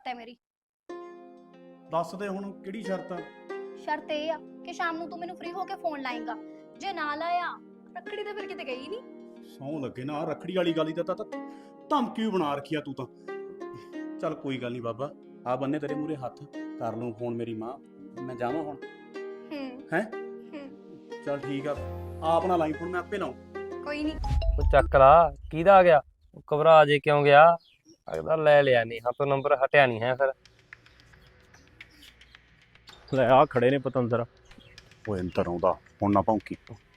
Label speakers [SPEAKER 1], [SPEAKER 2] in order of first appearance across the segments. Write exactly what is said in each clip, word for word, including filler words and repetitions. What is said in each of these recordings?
[SPEAKER 1] ਹੈ ਮੇਰੀ।
[SPEAKER 2] ਦੱਸ ਦੇ ਹੁਣ ਕਿਹੜੀ ਸ਼ਰਤ ਆ?
[SPEAKER 1] ਸ਼ਰਤ ਇਹ ਆ ਕਿ ਸ਼ਾਮ ਨੂੰ ਤੂੰ ਮੈਨੂੰ ਫ੍ਰੀ ਹੋ ਕੇ ਫੋਨ ਲਾਏਂਗਾ। ਜੇ ਨਾ ਲਾਇਆ ਰੱਖੜੀ ਤੇ ਫਿਰ ਕਿਤੇ ਗਈ ਨਹੀਂ।
[SPEAKER 2] ਸੌਂ ਲੱਗੇ ਨਾ, ਰੱਖੜੀ ਵਾਲੀ ਗੱਲ ਹੀ ਤਾਂ ਤਾਂ ਧਮਕੀ ਵੀ ਬਣਾ ਰੱਖੀ ਆ ਤੂੰ ਤਾਂ। ਚੱਲ ਕੋਈ ਗੱਲ ਨਹੀਂ ਬਾਬਾ, ਆ ਬੰਨੇ ਤੇਰੇ ਮੂਹਰੇ ਹੱਥ, ਕਰ ਲੂੰ ਫੋਨ ਮੇਰੀ ਮਾਂ, ਮੈਂ ਜਾਵਾਂ ਹੁਣ।
[SPEAKER 1] ਹੂੰ
[SPEAKER 2] ਹੈ
[SPEAKER 1] ਹੂੰ
[SPEAKER 2] ਚੱਲ ਠੀਕ ਆ, ਆਪ ਨਾ ਲਾਈ ਫੋਨ, ਮੈਂ ਆਪੇ ਲਾਉਂ।
[SPEAKER 1] ਕੋਈ ਨਹੀਂ।
[SPEAKER 3] ਉਹ ਚੱਕ ਲਾ, ਕਿਹਦਾ ਆ ਗਿਆ? ਘਬਰਾ ਜੇ ਕਿਉਂ ਗਿਆ? ਲੱਗਦਾ ਲੈ ਲਿਆ ਨਹੀਂ, ਹਾਂ ਤੋਂ ਨੰਬਰ ਹਟਿਆ ਨਹੀਂ ਹੈ ਫਿਰ।
[SPEAKER 2] ਲੈ ਆ ਖੜੇ ਨੇ ਪਤੰਦਰ। ਓਏ ਅੰਦਰ ਆਉਂਦਾ ਹੁਣ ਨਾ ਭੌਂਕੀ।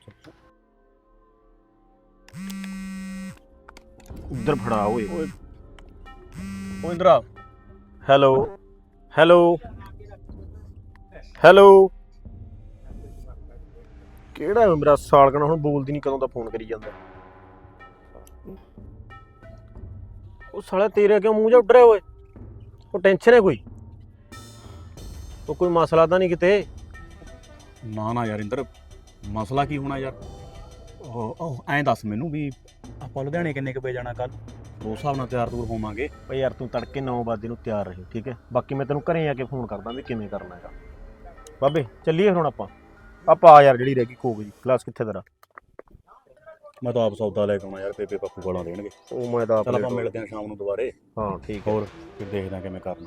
[SPEAKER 2] ਉਧਰ ਫੜਾ ਓਏ। ਓਏ ਓ ਇੰਦਰਾ। Hello hello hello. ਕਿਹੜਾ ਮੇਰਾ ਸਾਲਕਣਾ ਹੁਣ ਬੋਲਦੀ ਨਹੀਂ, ਕਦੋਂ ਦਾ ਫੋਨ ਕਰੀ ਜਾਂਦਾ। ਉਹ ਸਾਲਾ ਤੇਰੇ ਕਿਉਂ ਮੂੰਹ ਜਾ ਉੱਡ ਰਿਹਾ ਓਏ? ਉਹ ਟੈਨਸ਼ਨ ਹੈ ਕੋਈ? ਉਹ ਕੋਈ ਮਸਲਾ ਤਾਂ ਨਹੀਂ ਕਿਤੇ? ਨਾ ਨਾ ਯਾਰ ਇੰਦਰ, ਮਸਲਾ ਕੀ ਹੋਣਾ ਯਾਰ? ਉਹ ਐਂ ਦੱਸ ਮੈਨੂੰ ਵੀ ਆਪਾਂ ਲੁਧਿਆਣੇ ਕਿੰਨੇ ਕੁ ਵਜੇ ਜਾਣਾ ਕੱਲ? ਉਸ ਹਿਸਾਬ ਨਾਲ ਤਿਆਰ ਤੁਰ ਹੋਵਾਂਗੇ।
[SPEAKER 4] ਭਾਈ ਯਾਰ ਤੂੰ ਤੜਕੇ ਨੌ ਵਜੇ ਨੂੰ ਤਿਆਰ ਰਹੀ, ਠੀਕ ਹੈ? ਬਾਕੀ ਮੈਂ ਤੈਨੂੰ ਘਰੇ ਆ ਕੇ ਫੋਨ ਕਰਦਾ ਵੀ ਕਿਵੇਂ ਕਰਨਾ ਹੈਗਾ। ਬਾਬੇ ਚੱਲੀਏ ਹੁਣ ਆਪਾਂ। ਆਪਾਂ ਆ ਯਾਰ, ਜਿਹੜੀ ਰਹਿ ਗਈ ਕੋਕ ਜੀ ਗਲਾਸ ਕਿੱਥੇ ਤੇਰਾ?
[SPEAKER 2] ਮੈਂ ਤਾਂ ਆਪ ਸੌਦਾ ਲੈ ਕੇ ਆਉਣਾ ਯਾਰ, ਬੇਬੇ ਪੱਪੂ ਗਾਲਾਂ ਦੇਣਗੇ।
[SPEAKER 4] ਉਹ ਮੈਂ ਤਾਂ
[SPEAKER 2] ਚੱਲ ਆਪਾਂ ਮਿਲਦੇ ਹਾਂ ਸ਼ਾਮ ਨੂੰ ਦੁਬਾਰੇ।
[SPEAKER 4] ਹਾਂ ਠੀਕ ਹੈ।
[SPEAKER 2] ਹੋਰ ਫਿਰ ਦੇਖਦੇ ਹਾਂ ਕਿਵੇਂ ਕਰਨਾ।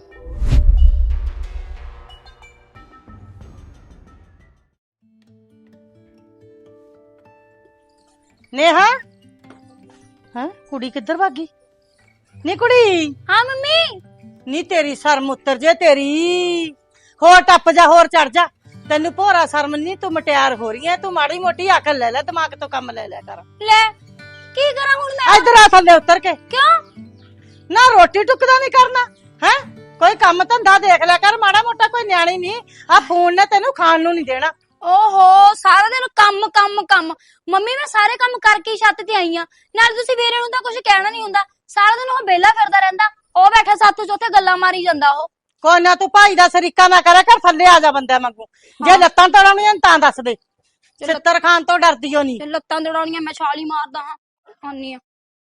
[SPEAKER 5] ਨੇਹਾ, ਹਾਂ ਕੁੜੀ ਕਿੱਧਰ ਭਾਗੀ? ਨੀ ਕੁੜੀ,
[SPEAKER 1] ਹਾਂ ਮੰਮੀ।
[SPEAKER 5] ਨੀ ਤੇਰੀ ਸ਼ਰਮ ਉਤਰ ਜੇ ਤੇਰੀ। ਹੋਰ ਟੱਪ ਜਾ, ਹੋਰ ਚੜ ਜਾ। ਤੈਨੂੰ ਭੋਰਾ ਸ਼ਰਮ ਨਹੀਂ, ਤੂੰ ਮਟਿਆਰ ਹੋ ਰਹੀ ਐ। ਤੂੰ ਮਾੜੀ ਮੋਟੀ ਅਕਲ ਲੈ ਲੈ, ਦਿਮਾਗ ਤੋਂ ਕੰਮ ਲੈ ਲਿਆ ਕਰ।
[SPEAKER 1] ਲੈ ਕੀ ਕਰਾਂ ਹੁਣ ਮੈਂ?
[SPEAKER 5] ਇੱਧਰ ਆ ਥੱਲੇ ਉਤਰ ਕੇ।
[SPEAKER 1] ਕਿਉਂ?
[SPEAKER 5] ਨਾ ਰੋਟੀ ਟੁੱਕਦਾ ਨਹੀਂ ਕਰਨਾ ਹੈ? ਕੋਈ ਕੰਮ ਧੰਦਾ ਦੇਖ ਲਿਆ ਕਰ ਮਾੜਾ ਮੋਟਾ। ਕੋਈ ਨਿਆਣੀ ਨਹੀਂ, ਆ ਫੋਨ ਨੇ ਤੈਨੂੰ ਖਾਣ ਨੂੰ ਨਹੀਂ ਦੇਣਾ।
[SPEAKER 1] ਓਹੋ, ਸਾਰਾ ਦਿਨ ਕੰਮ ਕੰਮ ਕੰਮ। ਮੰਮੀ ਮੈਂ ਸਾਰੇ ਕੰਮ ਕਰਕੇ ਹੀ ਛੱਤ ਤੇ ਆਈ ਆ। ਨਾਲ ਤੁਸੀਂ ਵੀਰੇ ਨੂੰ ਤਾਂ ਕੁਝ ਕਹਿਣਾ ਨਹੀਂ ਹੁੰਦਾ। ਸਾਰਾ ਦਿਨ ਉਹ ਵਿਹਲਾ ਫਿਰਦਾ ਰਹਿੰਦਾ। ਉਹ ਬੈਠਾ ਸੱਤ ਚੋਥੇ ਗੱਲਾਂ ਮਾਰੀ ਜਾਂਦਾ ਉਹ।
[SPEAKER 5] ਕੋਈ ਨਾ, ਤੂੰ ਭਾਈ ਦਾ ਸਰੀਕਾ ਨਾ ਕਰਿਆ ਕਰ, ਥੱਲੇ ਆ ਜਾ ਬੰਦਿਆਂ ਵਾਂਗੂ। ਜੇ ਲੱਤਾਂ ਤੋੜਾਉਣੀਆਂ ਤਾਂ ਦੱਸ ਦੇ। ਛਿੱਤਰ ਖਾਨ ਤੋਂ ਡਰਦੀ ਓ ਨਹੀਂ।
[SPEAKER 1] ਤੇ ਲੱਤਾਂ ਦੜਾਉਣੀਆਂ ਮੈਂ ਛਾਲ ਹੀ ਮਾਰਦਾ ਹਾਂ। ਆਨੀ ਆ।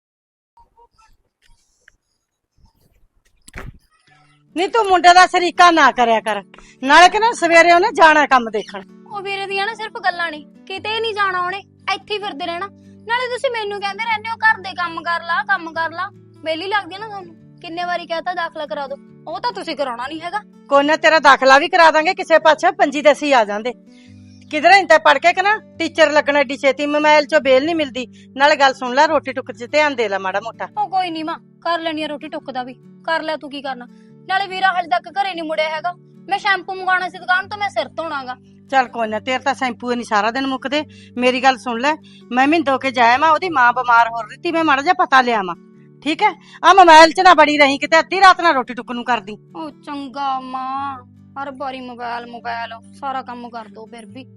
[SPEAKER 5] ਨਹੀਂ ਤੂੰ ਮੁੰਡੇ ਦਾ ਸਰੀਕਾ ਨਾ ਕਰਿਆ ਕਰ। ਨਾਲੇ ਕਿ ਨਾ ਸਵੇਰੇ ਉਹਨੇ ਜਾਣਾ ਕੰਮ ਦੇਖਣ।
[SPEAKER 1] ਉਹ ਵੀਰੇ ਦੀਆਂ ਨਾ ਸਿਰਫ ਗੱਲਾਂ ਨਹੀਂ, ਕਿਤੇ ਨਹੀਂ ਜਾਣਾ ਉਹਨੇ, ਇੱਥੇ ਹੀ ਫਿਰਦੇ ਰਹਿਣਾ। ਨਾਲੇ ਤੁਸੀਂ ਮੈਨੂੰ ਕਹਿੰਦੇ ਰਹਿੰਦੇ ਹੋ ਘਰ ਦੇ ਕੰਮ ਕਰ ਲਾ ਕੰਮ ਕਰ ਲਾ। ਮੇਲੀ ਲੱਗਦੀ ਆ ਨਾ ਤੁਹਾਨੂੰ। ਕਿੰਨੇ ਵਾਰੀ ਕਹਤਾ ਦਾਖਲਾ ਕਰਾ ਦੋ, ਉਹ ਤਾਂ ਤੁਸੀਂ ਕਰਾਉਣਾ ਨਹੀਂ ਹੈਗਾ।
[SPEAKER 5] ਕੋਈ ਨਾ, ਤੇਰਾ ਦਾਖਲਾ ਵੀ ਕਰਾ ਦਾਂਗੇ ਕਿਸੇ ਪਾਸੇ। ਪੰਜੀ ਤੇ ਅਸੀਂ ਆ ਜਾਂਦੇ। ਕਿਧਰੇ ਇੰਤੇ ਪੜ ਕੇ ਕਿ ਨਾ ਟੀਚਰ ਲੱਗਣਾ ਏਡੀ ਛੇਤੀ। ਮੋਬਾਈਲ ਚੋਂ ਬੇਲ ਨਹੀਂ ਮਿਲਦੀ। ਨਾਲੇ ਗੱਲ ਸੁਣ ਲੈ, ਰੋਟੀ ਟੁੱਕ ਚ ਧਿਆਨ ਦੇ ਲੈ ਮਾੜਾ ਮੋਟਾ।
[SPEAKER 1] ਉਹ ਕੋਈ ਨਹੀਂ ਮਾਂ, ਕਰ ਲੈਣੀ ਆ ਰੋਟੀ ਟੁੱਕ ਦਾ ਵੀ। ਕਰ ਲੈ ਤੂੰ ਕੀ ਕਰਨਾ। ਨਾਲੇ ਵੀਰਾ ਹਜੇ ਤੱਕ ਘਰੇ ਨਹੀਂ ਮੁੜਿਆ ਹੈਗਾ। ਮੈਂ ਸ਼ੈਂਪੂ ਮੰਗਾਉਣਾ ਸੀ ਦੁਕਾਨ ਤੋਂ, ਮੈਂ ਸਿਰ ਧੋਣਾਗਾ।
[SPEAKER 5] ਚੱਲ ਕੋਈ ਨਾ, ਤੇਰੇ ਤਾਂ ਸ਼ੈਂਪੂ ਨਹੀਂ ਸਾਰਾ ਦਿਨ ਮੁੱਕਦੇ। ਮੇਰੀ ਗੱਲ ਸੁਣ ਲੈ, ਮੈਂ ਮਿੰਦੋ ਕੇ ਜਾਇਆ ਮੈਂ, ਉਹਦੀ ਮਾਂ ਬਿਮਾਰ ਹੋ ਰਹੀ ਤੀ। ਮੈਂ ਮਾੜਾ ਜਿਹਾ ਪਤਾ ਲਿਆ ਮਾਂ, ਠੀਕ ਹੈ? ਆ ਮੋਬਾਈਲ ਚ ਨਾ ਬੜੀ ਰਹੀ ਕਿਤੇ, ਅੱਧੀ ਰਾਤ ਨਾਲ ਰੋਟੀ ਟੁੱਕ ਨੂੰ ਕਰਦੀ।
[SPEAKER 1] ਉਹ ਚੰਗਾ ਮਾਂ, ਹਰ ਵਾਰੀ ਮੋਬਾਈਲ ਮੋਬਾਈਲ ਸਾਰਾ ਕੰਮ ਕਰ ਦੋ ਫਿਰ ਵੀ।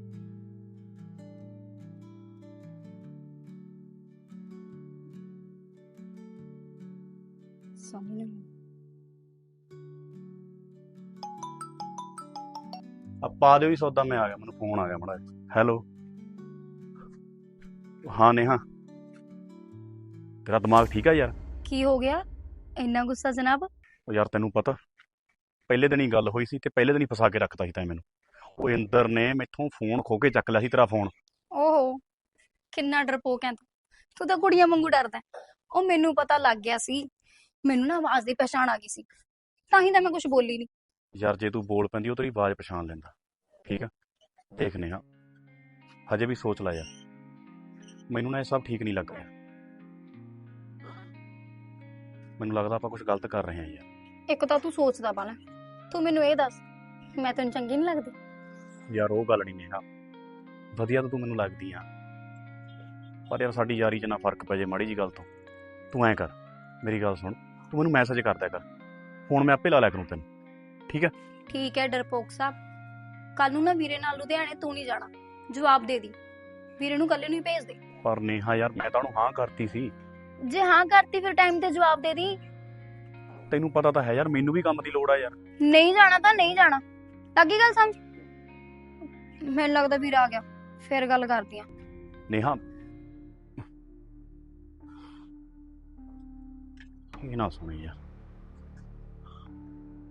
[SPEAKER 1] ਸਾਹਮਣੇ
[SPEAKER 2] ਆ ਪਾ ਦਿਓ ਹੀ ਸੌਦਾ, ਮੈਂ ਆ ਗਿਆ, ਮੈਨੂੰ ਫੋਨ ਆ ਗਿਆ ਮਾੜਾ ਜਿਹਾ। ਹੈਲੋ ਹਾਂ ਨੇਹਾ, ਤੇਰਾ ਦਿਮਾਗ ਠੀਕ ਆ ਯਾਰ?
[SPEAKER 1] ਕੀ ਹੋ ਗਿਆ ਇੰਨਾ ਗੁੱਸਾ ਜਨਾਬ?
[SPEAKER 2] ਉਹ ਯਾਰ ਤੈਨੂੰ ਪਤਾ ਪਹਿਲੇ ਦਿਨ ਹੀ ਗੱਲ ਹੋਈ ਸੀ ਤੇ ਪਹਿਲੇ ਦਿਨ ਹੀ ਫਸਾ ਕੇ ਰੱਖਤਾ ਸੀ ਤੈਂ ਮੈਨੂੰ। ਉਹ ਇੰਦਰ ਨੇ ਮੈਥੋਂ ਫੋਨ ਖੋ ਕੇ ਚੱਕ ਲਿਆ ਸੀ, ਤੇਰਾ ਫੋਨ।
[SPEAKER 1] ਓਹੋ, ਕਿੰਨਾ ਡਰਪੋਕ ਹੈ ਤੂੰ। ਤੂੰ ਤਾਂ ਕੁੜੀਆਂ ਵਾਂਗੂ ਡਰਦਾ। ਉਹ ਮੈਨੂੰ ਪਤਾ ਲੱਗ ਗਿਆ ਸੀ। ਮੈਨੂੰ ਨਾ ਆਵਾਜ਼ ਦੀ ਪਛਾਣ ਆ ਗਈ ਸੀ, ਤਾਂ ਹੀ ਤਾਂ ਮੈਂ ਕੁਝ ਬੋਲੀ ਨਹੀਂ।
[SPEAKER 2] ਯਾਰ ਜੇ ਤੂੰ ਬੋਲ ਪੈਂਦੀ ਉਹ ਤੇਰੀ ਆਵਾਜ਼ ਪਛਾਣ ਲੈਂਦਾ, ਠੀਕ ਆ? ਦੇਖ ਨੇਹਾ, ਹਜੇ ਵੀ ਸੋਚ ਲੈ ਯਾਰ, ਮੈਨੂੰ ਨਾ ਇਹ ਸਭ ਠੀਕ ਨਹੀਂ ਲੱਗ ਰਿਹਾ। ਮੈਨੂੰ ਲੱਗਦਾ ਆਪਾਂ ਕੁਝ ਗਲਤ ਕਰ ਰਹੇ ਹਾਂ ਯਾਰ।
[SPEAKER 1] ਇੱਕ ਤਾਂ ਤੂੰ ਸੋਚਦਾ ਬਾਲਾ। ਤੂੰ ਮੈਨੂੰ ਇਹ ਦੱਸ, ਮੈਂ ਤੈਨੂੰ ਚੰਗੀ ਨਹੀਂ ਲੱਗਦੀ?
[SPEAKER 2] ਯਾਰ ਉਹ ਗੱਲ ਨਹੀਂ ਨੇਹਾ, ਵਧੀਆ ਤਾਂ ਤੂੰ ਮੈਨੂੰ ਲੱਗਦੀ ਆ, ਪਰ ਯਾਰ ਸਾਡੀ ਯਾਰੀ 'ਚ ਨਾ ਫਰਕ ਪੈ ਜੇ ਮਾੜੀ ਜੀ ਗੱਲ ਤੋਂ। ਤੂੰ ਐਂ ਕਰ, ਮੇਰੀ ਗੱਲ ਸੁਣ, ਤੂੰ ਮੈਨੂੰ ਮੈਸੇਜ ਕਰ ਦਿਆ ਕਰ, ਫੋਨ ਮੈਂ ਆਪੇ ਲਾ ਲਿਆ ਕਰੂੰ ਤੈਨੂੰ, ਠੀਕ ਹੈ?
[SPEAKER 1] ਠੀਕ ਹੈ ਡਰਪੋਕ ਸਾਹਿਬ, ਕੱਲ ਨੂੰ ਨਾ ਵੀਰੇ ਨਾਲ ਲੁਧਿਆਣੇ ਤੂੰ ਨਹੀਂ ਜਾਣਾ। ਜਵਾਬ ਦੇ ਦੀ, ਵੀਰੇ ਨੂੰ ਕੱਲੇ ਨੂੰ ਹੀ ਭੇਜ ਦੇ।
[SPEAKER 2] ਪਰ ਨੇਹਾ ਯਾਰ, ਮੈਂ ਤਾਂ ਉਹਨੂੰ ਹਾਂ ਕਰਤੀ ਸੀ।
[SPEAKER 1] ਜੇ ਹਾਂ ਕਰਤੀ ਫਿਰ ਟਾਈਮ ਤੇ ਜਵਾਬ ਦੇ ਦੀ।
[SPEAKER 2] ਤੈਨੂੰ ਪਤਾ ਤਾਂ ਹੈ ਯਾਰ, ਮੈਨੂੰ ਵੀ ਕੰਮ ਦੀ ਲੋੜ ਆ ਯਾਰ।
[SPEAKER 1] ਨਹੀਂ ਜਾਣਾ ਤਾਂ ਨਹੀਂ ਜਾਣਾ, ਲੱਗੀ ਗੱਲ ਸਮਝ? ਮੈਨੂੰ ਲੱਗਦਾ ਵੀਰ ਆ ਗਿਆ, ਫਿਰ ਗੱਲ ਕਰਦੀ ਆ।
[SPEAKER 2] ਨੇਹਾ ਇਹ ਨਾ ਸੁਣੀ ਯਾਰ,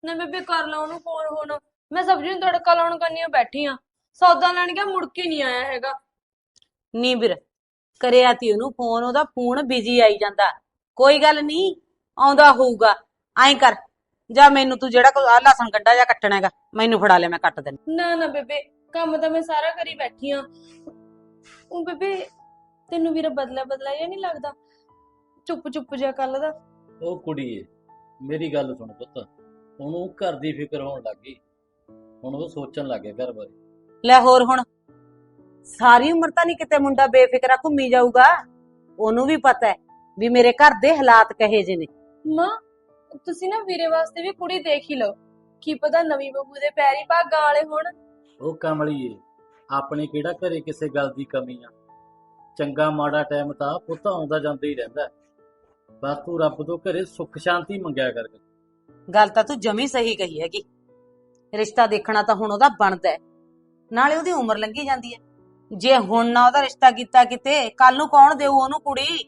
[SPEAKER 6] ਨਾ ਬੇਬੇ ਕਰ ਲਾ ਉਹਨੂੰ ਫੋਨ ਹੁਣ। ਮੈਂ ਸਬਜ਼ੀ ਨੂੰ ਤੜਕਾ ਲਾਉਣ ਕੰਨੀ ਬੈਠੀ ਆ, ਸੌਦਾ ਲੈਣ ਗਿਆ ਮੁੜ ਕੇ ਨਹੀਂ ਆਇਆ ਹੈਗਾ।
[SPEAKER 7] ਨੀ ਵੀਰ ਕਰਿਆ ਤੀ ਉਹਨੂੰ ਫੋਨ, ਉਹਦਾ ਫੋਨ ਬਿਜੀ ਆਈ ਜਾਂਦਾ। ਕੋਈ ਗੱਲ ਨਹੀਂ, ਆਉਂਦਾ ਹੋਊਗਾ। ਐਂ ਕਰ ਜਾ, ਮੈਨੂੰ ਤੂੰ ਜਿਹੜਾ ਕੋਈ ਆਹ ਲਸਣ ਕੱਢਾ ਜਾਂ ਕੱਟਣਾ ਹੈਗਾ ਮੈਨੂੰ ਫੜਾ ਲੈ, ਮੈਂ ਕੱਟ ਦਿੰਦੀ।
[SPEAKER 6] ਨਾ ਨਾ ਬੇਬੇ, ਕੰਮ ਤਾਂ ਮੈਂ ਸਾਰਾ ਕਰੀ ਬੈਠੀ ਆ। ਉਹ ਬੇਬੇ ਤੈਨੂੰ ਵੀਰਾ ਬਦਲਾ ਬਦਲਾ ਜਿਹਾ ਨਹੀਂ ਲੱਗਦਾ, ਚੁੱਪ ਚੁੱਪ ਜਿਹਾ ਕੱਲ ਦਾ?
[SPEAKER 8] ਉਹ ਕੁੜੀਏ ਮੇਰੀ ਗੱਲ ਸੁਣ ਪੁੱਤ, ਹੁਣ ਉਹ ਘਰ ਦੀ ਫਿਕਰ ਹੋਣ ਲੱਗ ਗਈ, ਹੁਣ ਉਹ ਸੋਚਣ ਲੱਗ ਗਿਆ ਘਰ ਬਾਰੇ।
[SPEAKER 7] ਲੈ ਹੋਰ ਹੁਣ ਸਾਰੀ ਉਮਰ ਤਾਂ ਨਹੀਂ ਕਿਤੇ ਮੁੰਡਾ ਬੇਫਿਕਰਾ ਘੁੰਮੀ ਜਾਊਗਾ। ਉਹਨੂੰ ਵੀ ਪਤਾ ਹੈ ਵੀ ਮੇਰੇ ਘਰ ਦੇ ਹਾਲਾਤ ਕਹੇ ਜੇ ਨੇ।
[SPEAKER 6] ਮਾਂ ਤੁਸੀਂ ਨਾ ਵੀਰੇ ਵਾਸਤੇ ਵੀ ਕੁੜੀ ਦੇਖ ਹੀ ਲਓ, ਕੀ ਪਤਾ ਨਵੀਂ ਬਹੂ ਦੇ ਪੈਰੀ ਭਾਗਾਂ ਵਾਲੇ ਹੋਣ।
[SPEAKER 8] ਉਹ ਕਮਲੀਏ, ਆਪਣੇ ਕਿਹੜਾ ਘਰੇ ਕਿਸੇ ਗੱਲ ਦੀ ਕਮੀ ਆ। ਚੰਗਾ ਮਾੜਾ ਟਾਈਮ ਤਾਂ ਪੁੱਤ ਆਉਂਦਾ ਜਾਂਦਾ ਹੀ ਰਹਿੰਦਾ, ਬਸ ਤੂੰ ਰੱਬ ਤੋਂ ਘਰੇ ਸੁੱਖ ਸ਼ਾਂਤੀ ਮੰਗਿਆ ਕਰ।
[SPEAKER 7] ਗੱਲ ਤਾਂ ਤੂੰ ਜਮੀ ਸਹੀ ਕਹੀ ਹੈਗੀ। ਰਿਸ਼ਤਾ ਦੇਖਣਾ ਤਾਂ ਹੁਣ ਉਹਦਾ ਬਣਦਾ ਹੈ, ਨਾਲੇ ਉਹਦੀ ਉਮਰ ਲੰਘੀ ਜਾਂਦੀ ਹੈ। ਜੇ ਹੁਣ ਨਾ ਉਹਦਾ ਰਿਸ਼ਤਾ ਕੀਤਾ ਕਿਤੇ, ਕੱਲ ਨੂੰ ਕੌਣ ਦੇਊ ਉਹਨੂੰ ਕੁੜੀ?